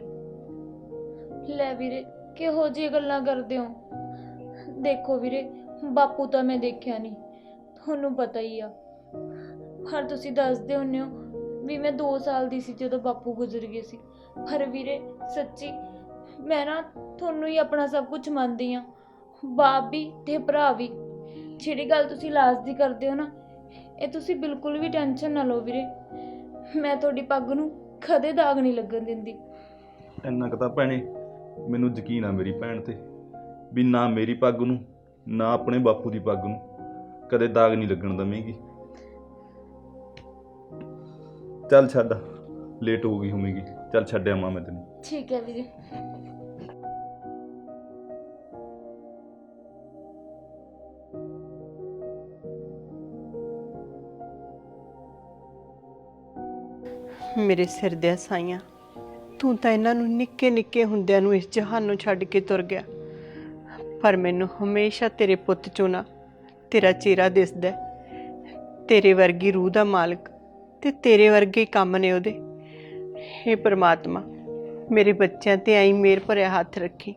Speaker 2: ਲੈ ਵੀਰੇ, ਕਿਹੋ ਜਿਹੀ ਗੱਲਾਂ ਕਰਦੇ ਹੋ? ਦੇਖੋ ਵੀਰੇ, ਬਾਪੂ ਤਾਂ ਮੈਂ ਦੇਖਿਆ ਨਹੀਂ, ਤੁਹਾਨੂੰ ਪਤਾ ਹੀ ਆ। ਪਰ ਤੁਸੀਂ ਦੱਸਦੇ ਹੁੰਦੇ ਹੋ ਵੀ ਮੈਂ ਦੋ ਸਾਲ ਦੀ ਸੀ ਜਦੋਂ ਬਾਪੂ ਗੁਜ਼ਰ ਗਏ ਸੀ। ਪਰ ਵੀਰੇ ਸੱਚੀ ਮੈਂ ਨਾ ਤੁਹਾਨੂੰ ਹੀ ਆਪਣਾ ਸਭ ਕੁਝ ਮੰਨਦੀ ਹਾਂ, ਬਾਪ ਵੀ ਤੇ ਭਰਾ ਵੀ। ਜਿਹੜੀ ਗੱਲ ਤੁਸੀਂ ਲਾਸਟ ਦੀ ਕਰਦੇ ਹੋ ਨਾ, ਇਹ ਤੁਸੀਂ ਬਿਲਕੁਲ ਵੀ ਟੈਨਸ਼ਨ ਨਾ ਲਓ ਵੀਰੇ, ਮੈਂ ਤੁਹਾਡੀ ਪੱਗ ਨੂੰ ਕਦੇ ਦਾਗ ਨਹੀਂ ਲੱਗਣ ਦਿੰਦੀ।
Speaker 1: ਇੰਨਾ ਕੁ ਤਾਂ ਭੈਣੇ ਮੈਨੂੰ ਯਕੀਨ ਆ ਮੇਰੀ ਭੈਣ ਤੇ, ਵੀ ਨਾ ਮੇਰੀ ਪੱਗ ਨੂੰ ਨਾ ਆਪਣੇ ਬਾਪੂ ਦੀ ਪੱਗ ਨੂੰ ਕਦੇ ਦਾਗ ਨਹੀਂ ਲੱਗਣ ਦਵੇਂਗੀ। ਚੱਲ ਛੱਡ, ਲੇਟ ਹੋ ਗਈ ਹੋਵੇਗੀ, ਚੱਲ ਛੱਡਿਆ ਮਾਂ ਮੈਂ ਤੈਨੂੰ।
Speaker 2: ਠੀਕ ਹੈ ਵੀਰੇ।
Speaker 3: ਮੇਰੇ ਸਿਰ ਦੇ ਸਾਈਆਂ, ਤੂੰ ਤਾਂ ਇਹਨਾਂ ਨੂੰ ਨਿੱਕੇ ਨਿੱਕੇ ਹੁੰਦਿਆਂ ਨੂੰ ਇਸ ਜਹਾਨ ਨੂੰ ਛੱਡ ਕੇ ਤੁਰ ਗਿਆ, ਪਰ ਮੈਨੂੰ ਹਮੇਸ਼ਾ ਤੇਰੇ ਪੁੱਤ ਚੋਂ ਨਾ ਤੇਰਾ ਚਿਹਰਾ ਦਿਸਦਾ, ਤੇਰੇ ਵਰਗੀ ਰੂਹ ਦਾ ਮਾਲਕ ਤੇ ਤੇਰੇ ਵਰਗੇ ਕੰਮ ਨੇ ਉਹਦੇ। ਹੇ ਪਰਮਾਤਮਾ, ਮੇਰੇ ਬੱਚਿਆਂ ਤੇ ਆਈ ਮੇਰ ਭਰਿਆ ਹੱਥ ਰੱਖੀ।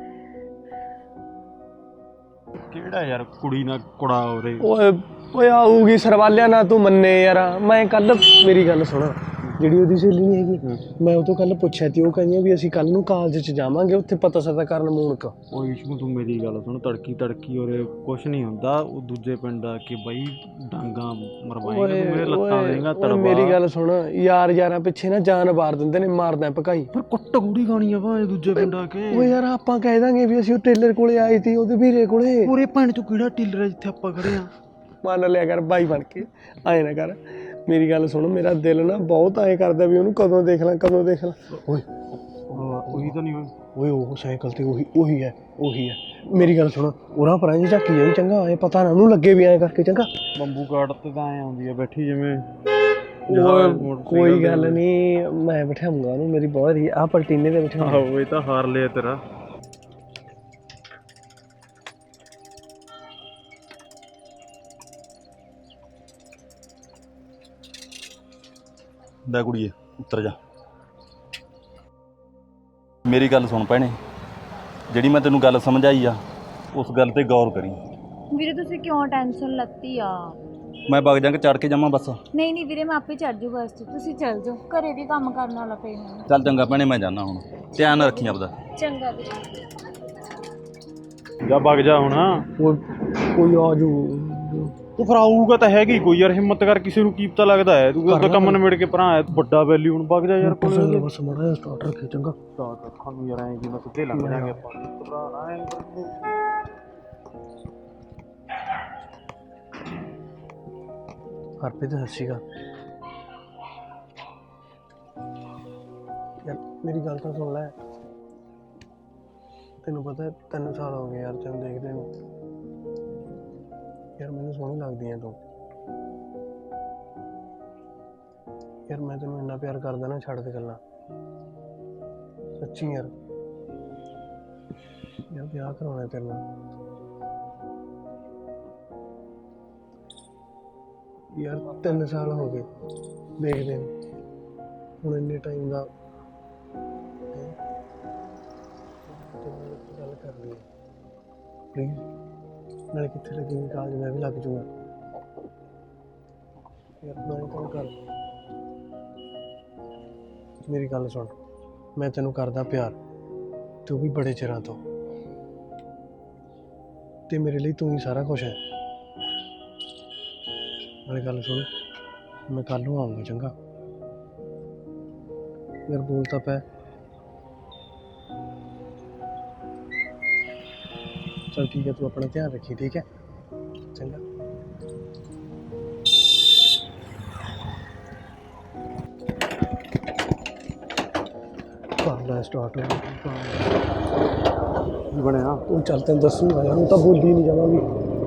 Speaker 5: ਕਿਹੜਾ ਯਾਰ ਕੁੜੀ ਨਾਲ ਕੁੜਾ ਉਹਦੇ।
Speaker 6: ਓਏ ਓਏ ਆਊਗੀ ਸਰਵਾਲਿਆ ਨਾ, ਤੂੰ ਮੰਨੇ ਯਾਰ। ਮੈਂ ਕੱਲ, ਮੇਰੀ ਗੱਲ ਸੁਣ, ਜਿਹੜੀ ਉਹਦੀ ਸਹੇਲੀ ਨਹੀਂ ਹੈਗੀ, ਮੈਂ ਉਹ ਤੋਂ ਕੱਲ ਪੁੱਛਿਆ ਤੀ, ਉਹ ਕਹਿੰਦੀ ਵੀ ਅਸੀਂ ਕੱਲ ਨੂੰ ਕਾਲਜ 'ਚ ਜਾਵਾਂਗੇ, ਉੱਥੇ ਪਤਾ ਸਤਾ ਕਰਨ ਮੂਨਕ।
Speaker 5: ਉਹ ਇਸ਼ੂ ਤੂੰ ਮੇਰੀ ਗੱਲ ਸੁਣ, ਤੜਕੀ ਤੜਕੀ ਉਹਦੇ ਕੁਛ ਨਹੀਂ ਹੁੰਦਾ, ਉਹ ਦੂਜੇ ਪਿੰਡ ਆ ਕੇ ਬਈ ਡਾਂਗਾ ਮਰਵਾਏਗਾ, ਤੂੰ ਮੇਰੇ ਲੱਤਾਂ ਦੇਗਾ ਤੜਵਾ।
Speaker 6: ਮੇਰੀ ਗੱਲ ਸੁਣ ਯਾਰ, ਯਾਰਾਂ ਪਿੱਛੇ ਨਾ ਜਾਨ ਵਾਰ ਦਿੰਦੇ ਨੇ, ਮਾਰਦਾ ਭਕਾਈ।
Speaker 5: ਪਰ ਕੁੱਟ ਗੂੜੀ ਖਾਣੀ ਆ ਭਾਵੇਂ ਦੂਜੇ ਪਿੰਡ ਆ ਕੇ।
Speaker 6: ਓਏ ਯਾਰ ਆਪਾਂ ਕਹਿ ਦਾਂਗੇ ਵੀ ਅਸੀਂ ਉਹ ਟੇਲਰ ਕੋਲੇ ਆਏ ਸੀ, ਉਹਦੇ ਵੀਰੇ ਕੋਲੇ।
Speaker 5: ਪੂਰੇ ਪਿੰਡ 'ਚ ਕਿਹੜਾ ਟੇਲਰ ਹੈ ਜਿੱਥੇ ਆਪਾਂ ਖੜੇ ਆ?
Speaker 6: ਮੰਨ ਲਿਆ ਕਰ ਬਾਈ ਬਣ ਕੇ, ਆਏ ਨਾ ਕਰ। ਮੇਰੀ ਗੱਲ ਸੁਣ, ਮੇਰਾ ਦਿਲ ਨਾ ਬਹੁਤ ਐਂ ਕਰਦਾ ਵੀ ਉਹਨੂੰ ਕਦੋਂ ਦੇਖ ਲਾਂ ਕਦੋਂ ਦੇਖ ਲਾਂ। ਓਏ
Speaker 5: ਉਹੀ ਤਾਂ ਨਹੀਂ ਹੋਈ
Speaker 6: ਓਏ, ਉਹ ਸਾਈਕਲ ਤੇ ਉਹੀ ਉਹੀ ਹੈ ਉਹੀ ਹੈ। ਮੇਰੀ ਗੱਲ ਸੁਣ, ਉਹਨਾਂ ਪਰਾਂ ਜੀ ਝਾਕੀ ਜਾਈ ਚੰਗਾ, ਐ ਪਤਾ ਨਾ ਉਹਨੂੰ ਲੱਗੇ ਵੀ ਐਂ ਕਰਕੇ ਚੰਗਾ।
Speaker 5: ਬੰਬੂ ਕਾਟ ਤੇ ਤਾਂ ਐ ਆਉਂਦੀ ਆ ਬੈਠੀ ਜਿਵੇਂ।
Speaker 6: ਕੋਈ ਗੱਲ ਨਹੀਂ, ਮੈਂ ਬਿਠਾਉਂਗਾ ਉਹਨੂੰ, ਮੇਰੀ ਬਹੁਤ ਹੀ ਆਹ ਪਲਟੀਨੇ ਤੇ ਬਿਠਾ।
Speaker 5: ਆਹੋ ਇਹ ਤਾਂ ਹਾਰ ਲਿਆ ਤੇਰਾ।
Speaker 1: ਲੈ ਕੁੜੀਏ ਉੱਤਰ ਜਾ। ਮੇਰੀ ਗੱਲ ਸੁਣ ਭੈਣੇ, ਜਿਹੜੀ ਮੈਂ ਤੈਨੂੰ ਗੱਲ ਸਮਝਾਈ ਆ ਉਸ ਗੱਲ ਤੇ ਗੌਰ ਕਰੀ।
Speaker 2: ਵੀਰੇ ਤੁਸੀਂ ਕਿਉਂ ਟੈਨਸ਼ਨ ਲੱਤੀ ਆ?
Speaker 1: ਮੈਂ ਵਗ ਜਾਂਗਾ, ਚੜ ਕੇ ਜਾਵਾਂ ਬੱਸ?
Speaker 2: ਨਹੀਂ ਨਹੀਂ ਵੀਰੇ, ਮੈਂ ਆਪੇ ਚੜ ਜੂ ਬੱਸ 'ਚ, ਤੁਸੀਂ ਚੱਲ ਜਾਓ, ਘਰੇ ਵੀ ਕੰਮ ਕਰਨ ਵਾਲਾ ਪਏ ਮੈਨੂੰ।
Speaker 1: ਚੱਲ ਚੰਗਾ ਭੈਣੇ, ਮੈਂ ਜਾਣਾ ਹੁਣ, ਧਿਆਨ ਰੱਖੀ ਆਪਦਾ।
Speaker 2: ਚੰਗਾ ਵੀਰੇ।
Speaker 5: ਜਾ ਵਗ ਜਾ ਹੁਣ।
Speaker 6: ਕੋਈ ਆ ਜੂ,
Speaker 5: ਉਹ ਫਿਰ ਆਊਗਾ ਤਾਂ ਹੈਗੀ ਕੋਈ ਯਾਰ, ਹਿੰਮਤ ਕਰ, ਕਿਸੇ ਨੂੰ ਕੀ ਪਤਾ ਲੱਗਦਾ ਹੈ। ਤੂੰ ਤਾਂ ਕੰਮ ਨਿਬੜ ਕੇ ਭਰਾ ਆਇਆ, ਵੱਡਾ ਵੈਲੀ, ਹੁਣ ਵਗ ਜਾ ਯਾਰ ਕੋਲੇ।
Speaker 6: ਬਸ ਮਾੜਾ ਜਿਹਾ ਸਟਾਰਟ ਰੱਖੀ ਚੰਗਾ।
Speaker 5: ਸਾਨੂੰ ਯਾਰ ਐਂ ਕਿ ਮੈਂ ਸਿੱਧੇ ਲੰਘ ਜਾਾਂਗੇ ਆਪਾਂ, ਭਰਾ ਐਂ।
Speaker 6: ਹਰਪ੍ਰੀਤ ਸਤਿ ਸ਼੍ਰੀ ਅਕਾਲ। ਯਾਰ ਮੇਰੀ ਗੱਲ ਤਾਂ ਸੁਣ ਲੈ, ਤੈਨੂੰ ਪਤਾ ਤਿੰਨ ਸਾਲ ਹੋ ਗਏ ਯਾਰ ਤੈਨੂੰ ਦੇਖਦੇ ਨੂੰ, ਯਾਰ ਮੈਨੂੰ ਸੋਹਣੀ ਲੱਗਦੀ ਹੈ ਤੂੰ। ਯਾਰ ਮੈਂ ਤੈਨੂੰ ਇੰਨਾ ਪਿਆਰ ਕਰਦਾ ਨਾ, ਛੱਡ ਦੇ ਗੱਲਾਂ, ਸੱਚੀ ਯਾਰ। ਯਾਰ ਵਿਆਹ ਕਰਾਉਣਾ ਤੇਰੇ ਨਾਲ ਯਾਰ, ਤਿੰਨ ਸਾਲ ਹੋ ਗਏ ਦੇਖਦੇ ਨੂੰ, ਹੁਣ ਇੰਨੇ ਟਾਈਮ ਦਾ ਗੱਲ ਕਰਨੀ ਹੈ ਪਲੀਜ਼। ਨਾਲੇ ਕਿੱਥੇ ਲੱਗੇਗੀ ਕਾਲਜ, ਮੈਂ ਵੀ ਲੱਗ ਜੂਗਾ। ਯਾਰ ਮੈਂ ਤੈਨੂੰ ਕਰ ਮੇਰੀ ਗੱਲ ਸੁਣ, ਮੈਂ ਤੈਨੂੰ ਕਰਦਾ ਪਿਆਰ, ਤੂੰ ਵੀ ਬੜੇ ਚਿਰਾਂ ਤੋਂ, ਤੇ ਮੇਰੇ ਲਈ ਤੂੰ ਹੀ ਸਾਰਾ ਕੁਝ ਹੈ। ਨਾਲੇ ਗੱਲ ਸੁਣ, ਮੈਂ ਕੱਲ ਨੂੰ ਆਊਂਗਾ, ਚੰਗਾ? ਯਾਰ ਬੋਲ ਤਾਂ ਪੈ। ਚਲ ਠੀਕ ਹੈ, ਤੂੰ ਆਪਣਾ ਧਿਆਨ ਰੱਖੀ, ਠੀਕ ਹੈ? ਚੰਗਾ। ਕਾਲਾ ਸਟਾਰਟ ਹੋ
Speaker 5: ਕੀ ਬਣਿਆ?
Speaker 6: ਉਹ ਚੱਲ ਤੈਨੂੰ ਦੱਸੂਗਾ ਯਾਰ, ਉਹ ਤਾਂ ਬੋਲੀ ਨਹੀਂ ਜਾਵਾਂਗੀ।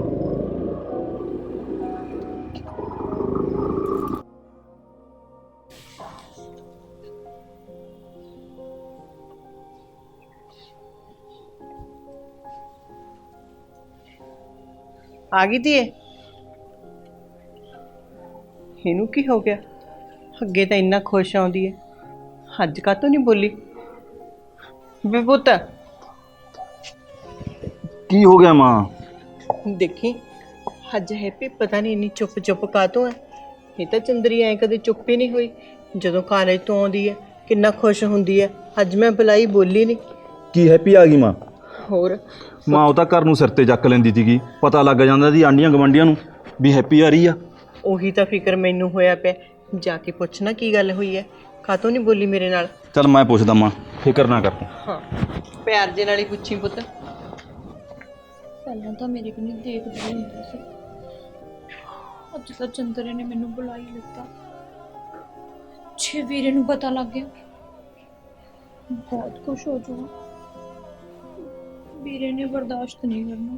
Speaker 3: ਆ ਗਈ ਧੀਏ? ਇਹਨੂੰ ਕੀ ਹੋ ਗਿਆ? ਅੱਗੇ ਤਾਂ ਇੰਨਾ ਖੁਸ਼ ਆਉਂਦੀ ਹੈ, ਅੱਜ ਕਾਹਤੋਂ ਨਹੀਂ ਬੋਲੀ? ਵੇ ਪੁੱਤ
Speaker 1: ਕੀ ਹੋ ਗਿਆ ਮਾਂ?
Speaker 3: ਦੇਖੀ ਅੱਜ ਹੈਪੀ ਪਤਾ ਨਹੀਂ ਇੰਨੀ ਚੁੱਪ ਚੁੱਪ ਕਾਹਤੋਂ ਹੈ। ਇਹ ਤਾਂ ਚੰਦਰੀ ਐ ਕਦੇ ਚੁੱਪ ਹੀ ਨਹੀਂ ਹੋਈ, ਜਦੋਂ ਕਾਲਜ ਤੋਂ ਆਉਂਦੀ ਹੈ ਕਿੰਨਾ ਖੁਸ਼ ਹੁੰਦੀ ਹੈ। ਅੱਜ ਮੈਂ ਬੁਲਾਈ, ਬੋਲੀ ਨਹੀਂ।
Speaker 1: ਕੀ ਹੈਪੀ ਆ ਗਈ ਮਾਂ?
Speaker 3: ਹੋਰ
Speaker 1: ਮਾਂ ਉਹ ਤਾਂ ਘਰ ਨੂੰ ਸਿਰ ਤੇ ਚੱਕ ਲੈਂਦੀ ਸੀਗੀ, ਪਤਾ ਲੱਗ ਜਾਂਦਾ ਸੀ ਆਂਢੀਆਂ ਗਵਾਂਢੀਆਂ ਨੂੰ ਵੀ ਹੈਪੀ ਆ ਰਹੀ ਆ।
Speaker 3: ਉਹੀ ਤਾਂ ਫਿਕਰ ਮੈਨੂੰ ਹੋਇਆ ਪਿਆ, ਜਾ ਕੇ ਪੁੱਛਣਾ ਕੀ ਗੱਲ ਹੋਈ ਹੈ, ਕਾਹਤੋਂ ਨਹੀਂ ਬੋਲੀ ਮੇਰੇ ਨਾਲ।
Speaker 1: ਚੱਲ ਮੈਂ ਪੁੱਛਦਾ ਮਾਂ, ਫਿਕਰ ਨਾ ਕਰ ਤੂੰ।
Speaker 3: ਹਾਂ ਪਿਆਰ ਦੇ ਨਾਲ ਹੀ ਪੁੱਛੀ ਪੁੱਤ।
Speaker 2: ਪਹਿਲਾਂ ਤਾਂ ਮੇਰੇ ਕੋਲ ਨਹੀਂ ਦੇਖਦਾ ਹੁੰਦਾ ਸੀ, ਅੱਜ ਤਾਂ ਚੰਦਰੇ ਨੇ ਮੈਨੂੰ ਬੁਲਾ ਹੀ ਲਿੱਤਾ। ਜੇ ਵੀਰੇ ਨੂੰ ਪਤਾ ਲੱਗ ਗਿਆ ਬਹੁਤ ਖੁਸ਼ ਹੋ ਜਾਊਗਾ, ਵੀਰੇ ਨੇ ਬਰਦਾਸ਼ਤ ਨਹੀਂ ਕਰਨਾ।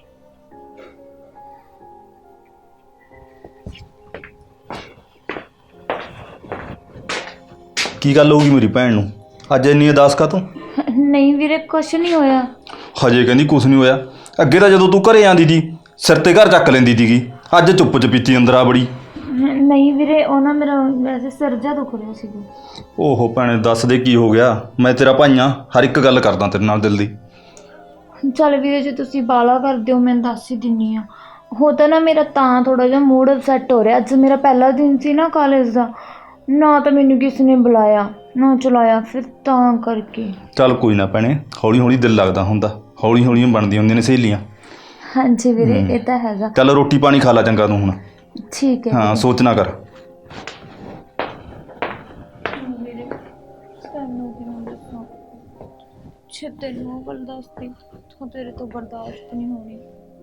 Speaker 1: ਕੀ ਗੱਲ ਹੋਊਗੀ ਮੇਰੀ ਭੈਣ ਨੂੰ ਅੱਜ ਇੰਨੀ ਉਦਾਸ ਕਾ ਤੂੰ?
Speaker 2: ਨਹੀਂ ਵੀਰੇ, ਕੁਛ ਨਹੀਂ ਹੋਇਆ।
Speaker 1: ਹਜੇ ਕਹਿੰਦੀ ਕੁਛ ਨਹੀਂ ਹੋਇਆ। ਅੱਗੇ ਤਾਂ ਜਦੋਂ ਤੂੰ ਘਰੇ ਆਂਦੀ ਸੀ ਸਿਰ ਤੇ ਘਰ ਚੱਕ ਲੈਂਦੀ ਸੀਗੀ, ਅੱਜ ਚੁੱਪ ਚਪੀਤੀ ਅੰਦਰ ਆ ਬੜੀ।
Speaker 2: ਨਹੀਂ ਵੀਰੇ, ਉਹ ਨਾ ਮੇਰਾ ਵੈਸੇ ਸਿਰ ਜਿਹਾ ਦੁਖ ਰਿਹਾ ਸੀਗਾ।
Speaker 1: ਓਹੋ ਭੈਣੇ ਦੱਸ ਦੇ ਕੀ ਹੋ ਗਿਆ, ਮੈਂ ਤੇਰਾ ਭਾਈ ਆਂ, ਹਰ ਇੱਕ ਗੱਲ ਕਰਦਾ ਤੇਰੇ ਨਾਲ ਦਿਲ ਦੀ।
Speaker 2: ਚੱਲ ਵੀਰੇ, ਜੇ ਤੁਸੀਂ ਬਾਲਾ ਕਰਦੇ ਹੋ ਮੈਂ ਦੱਸ ਹੀ ਦਿੰਨੀ ਆ। ਹੋ ਤਾਂ ਨਾ ਮੇਰਾ ਤਾਂ ਥੋੜਾ ਜਿਹਾ ਮੂਡ ਅਪਸੈਟ ਹੋ ਰਿਹਾ। ਅੱਜ ਮੇਰਾ ਪਹਿਲਾ ਦਿਨ ਸੀ ਨਾ ਕਾਲਜ ਦਾ, ਨਾ ਤਾਂ ਮੈਨੂੰ ਕਿਸੇ ਨੇ ਬੁਲਾਇਆ ਨਾ ਚਲਾਇਆ, ਫਿਰ ਤਾਂ ਕਰਕੇ।
Speaker 1: ਚੱਲ ਕੋਈ ਨਾ ਭੈਣੇ, ਹੌਲੀ ਹੌਲੀ ਦਿਲ ਲੱਗਦਾ ਹੁੰਦਾ, ਹੌਲੀ ਹੌਲੀ ਬਣਦੀਆਂ ਹੁੰਦੀਆਂ ਨੇ ਸਹੇਲੀਆਂ।
Speaker 2: ਹਾਂਜੀ ਵੀਰੇ, ਇਹ ਤਾਂ ਹੈਗਾ।
Speaker 1: ਚੱਲ ਰੋਟੀ ਪਾਣੀ ਖਾ ਲਾ ਚੰਗਾ ਤੂੰ ਹੁਣ।
Speaker 2: ਠੀਕ ਹੈ
Speaker 1: ਹਾਂ ਸੋਚ ਨਾ ਕਰ।
Speaker 2: ਵੀਰੇ ਤੈਨੂੰ ਕਿਵੇਂ ਦੱਸਾਂ, ਜੇ ਤੈਨੂੰ ਉਹ ਗੱਲ ਦੱਸਦੀ ਤਾਂ ਤੇਰੇ ਤੋਂ ਬਰਦਾਸ਼ਤ ਨਹੀਂ ਹੋਣੀ।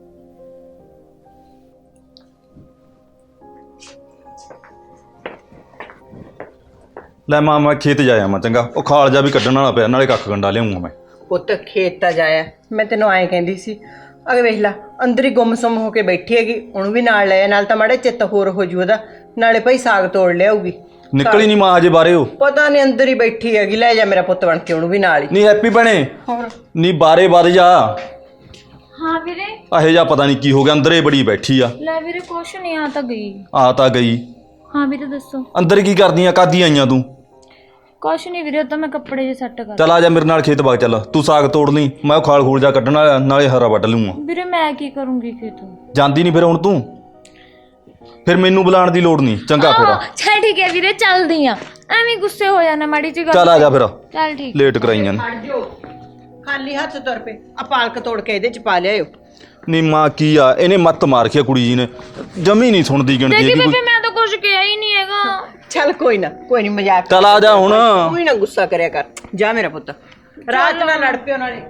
Speaker 1: ਲੈ ਮਾਂ ਮੈਂ ਖੇਤ ਜਾਇਆ ਮੈਂ, ਚੰਗਾ? ਉਹ ਖਾਲ ਜਾ ਵੀ ਕੱਢਣ ਵਾਲਾ ਪਿਆ, ਨਾਲੇ ਕੱਖ ਗੰਡਾ ਲਿਆਉਂਗਾ ਮੈਂ।
Speaker 3: ਪੁੱਤ ਖੇਤ ਤਾਂ ਜਾਇਆ, ਮੈਂ ਤੈਨੂੰ ਐਂ ਕਹਿੰਦੀ ਸੀ, ਅਗੇ ਵੇਖ ਲੈ ਅੰਦਰ ਹੀ ਗੁੰਮਸੁੰਮ ਹੋ ਕੇ ਬੈਠੀ ਹੈਗੀ, ਉਹਨੂੰ ਵੀ ਨਾਲ ਲੈ, ਨਾਲ ਤਾਂ ਮਾੜੇ ਚਿੱਤ ਹੋਰ ਹੋ ਜੂ ਉਹਦਾ, ਨਾਲੇ ਭਾਈ ਸਾਗ ਤੋੜ ਲਿਆਊਗੀ।
Speaker 1: ਨਿਕਲੀ ਨਹੀਂ ਮਾਂ ਹਜੇ ਬਾਰੇ ਉਹ?
Speaker 3: ਪਤਾ ਨਹੀਂ ਅੰਦਰ ਹੀ ਬੈਠੀ ਹੈਗੀ, ਲੈ ਜਾ ਮੇਰਾ ਪੁੱਤ ਬਣ ਕੇ ਉਹਨੂੰ ਵੀ ਨਾਲ ਹੀ।
Speaker 1: ਨਹੀਂ ਹੈਪੀ ਭੈਣੇ,
Speaker 3: ਹੋਰ
Speaker 1: ਨਹੀਂ ਬਾਰੇ ਵੱਧ ਜਾ।
Speaker 2: ਹਾਂ ਵੀਰੇ।
Speaker 1: ਇਹੋ ਜਿਹਾ ਪਤਾ ਨਹੀਂ ਕੀ ਹੋ ਗਿਆ, ਅੰਦਰੇ ਬੜੀ ਬੈਠੀ ਆ।
Speaker 2: ਲੈ ਵੀਰੇ ਕੁਛ ਨਹੀਂ, ਆ ਤਾਂ ਗਈ।
Speaker 1: ਆ ਤਾਂ ਗਈ?
Speaker 2: ਹਾਂ ਵੀਰੇ ਦੱਸੋ।
Speaker 1: ਅੰਦਰ ਕੀ ਕਰਦੀਆਂ, ਕਾਦੀ ਆਈਆਂ ਤੂੰ?
Speaker 2: ਕੁਛ ਨਹੀਂ ਵੀਰੇ, ਉਹ ਤਾਂ ਮੈਂ ਕੱਪੜੇ ਜੇ ਸੈੱਟ ਕਰ।
Speaker 1: ਚੱਲ ਆ ਜਾ ਮੇਰੇ ਨਾਲ ਖੇਤ ਬਾਗ, ਚੱਲ ਤੂੰ ਸਾਗ ਤੋੜ ਲਈ, ਮੈਂ ਉਹ ਖਾਲ ਖੂਲ ਜਾ ਕੱਢਣ ਵਾਲਾ, ਨਾਲੇ ਹਰਾ ਵੱਢ ਲੂੰਗਾ।
Speaker 2: ਵੀਰੇ ਮੈਂ ਕੀ ਕਰੂੰਗੀ ਖੇਤੋਂ?
Speaker 1: ਜਾਂਦੀ ਨਹੀਂ ਫਿਰ ਹੁਣ ਤੂੰ? ਫਿਰ ਮੈਨੂੰ ਬੁਲਾਉਣ ਦੀ ਲੋੜ ਨਹੀਂ, ਚੰਗਾ ਫਿਰ।
Speaker 2: ਚੱਲ ਠੀਕ ਹੈ ਵੀਰੇ, ਚੱਲਦੀ ਆ, ਐਵੇਂ ਗੁੱਸੇ ਹੋ ਜਾਣਾ ਮਾੜੀ ਜੀ ਗੱਲ।
Speaker 1: ਚੱਲ ਆ ਜਾ ਫਿਰ,
Speaker 2: ਚੱਲ ਠੀਕ।
Speaker 1: ਲੇਟ ਕਰਾਈਆਂ ਨੇ।
Speaker 3: ਛੱਡ ਜੋ, ਖਾਲੀ ਹੱਥ ਤੁਰ ਪਏ, ਆ ਪਾਲਕ ਤੋੜ ਕੇ ਇਹਦੇ ਚ ਪਾ ਲਿਆਇਓ।
Speaker 1: ਨਹੀਂ ਮਾਂ ਕੀ ਆ, ਇਹਨੇ ਮੱਤ ਮਾਰ ਕੇ ਕੁੜੀ ਜੀ ਨੇ, ਜਮੀ ਨਹੀਂ ਸੁਣਦੀ ਗਿਣਦੀ
Speaker 2: ਦੇਖੀ
Speaker 1: ਹੈਗੀ ਕੋਈ।
Speaker 2: ਬੇਬੇ, ਮੈਂ ਤਾਂ ਕੁਝ ਕਿਹਾ ਹੀ ਨਹੀਂ ਹੈਗਾ।
Speaker 3: ਚੱਲ ਕੋਈ ਨਾ, ਕੋਈ ਨਹੀਂ, ਮਜ਼ਾਕ।
Speaker 1: ਚੱਲ ਆ ਜਾ ਹੁਣ।
Speaker 3: ਕੋਈ ਨਾ ਗੁੱਸਾ ਕਰਿਆ ਕਰ, ਜਾ ਮੇਰਾ ਪੁੱਤ, ਰਾਤ ਨਾਲ ਲੜ ਪਿਓ ਨਾਲੇ।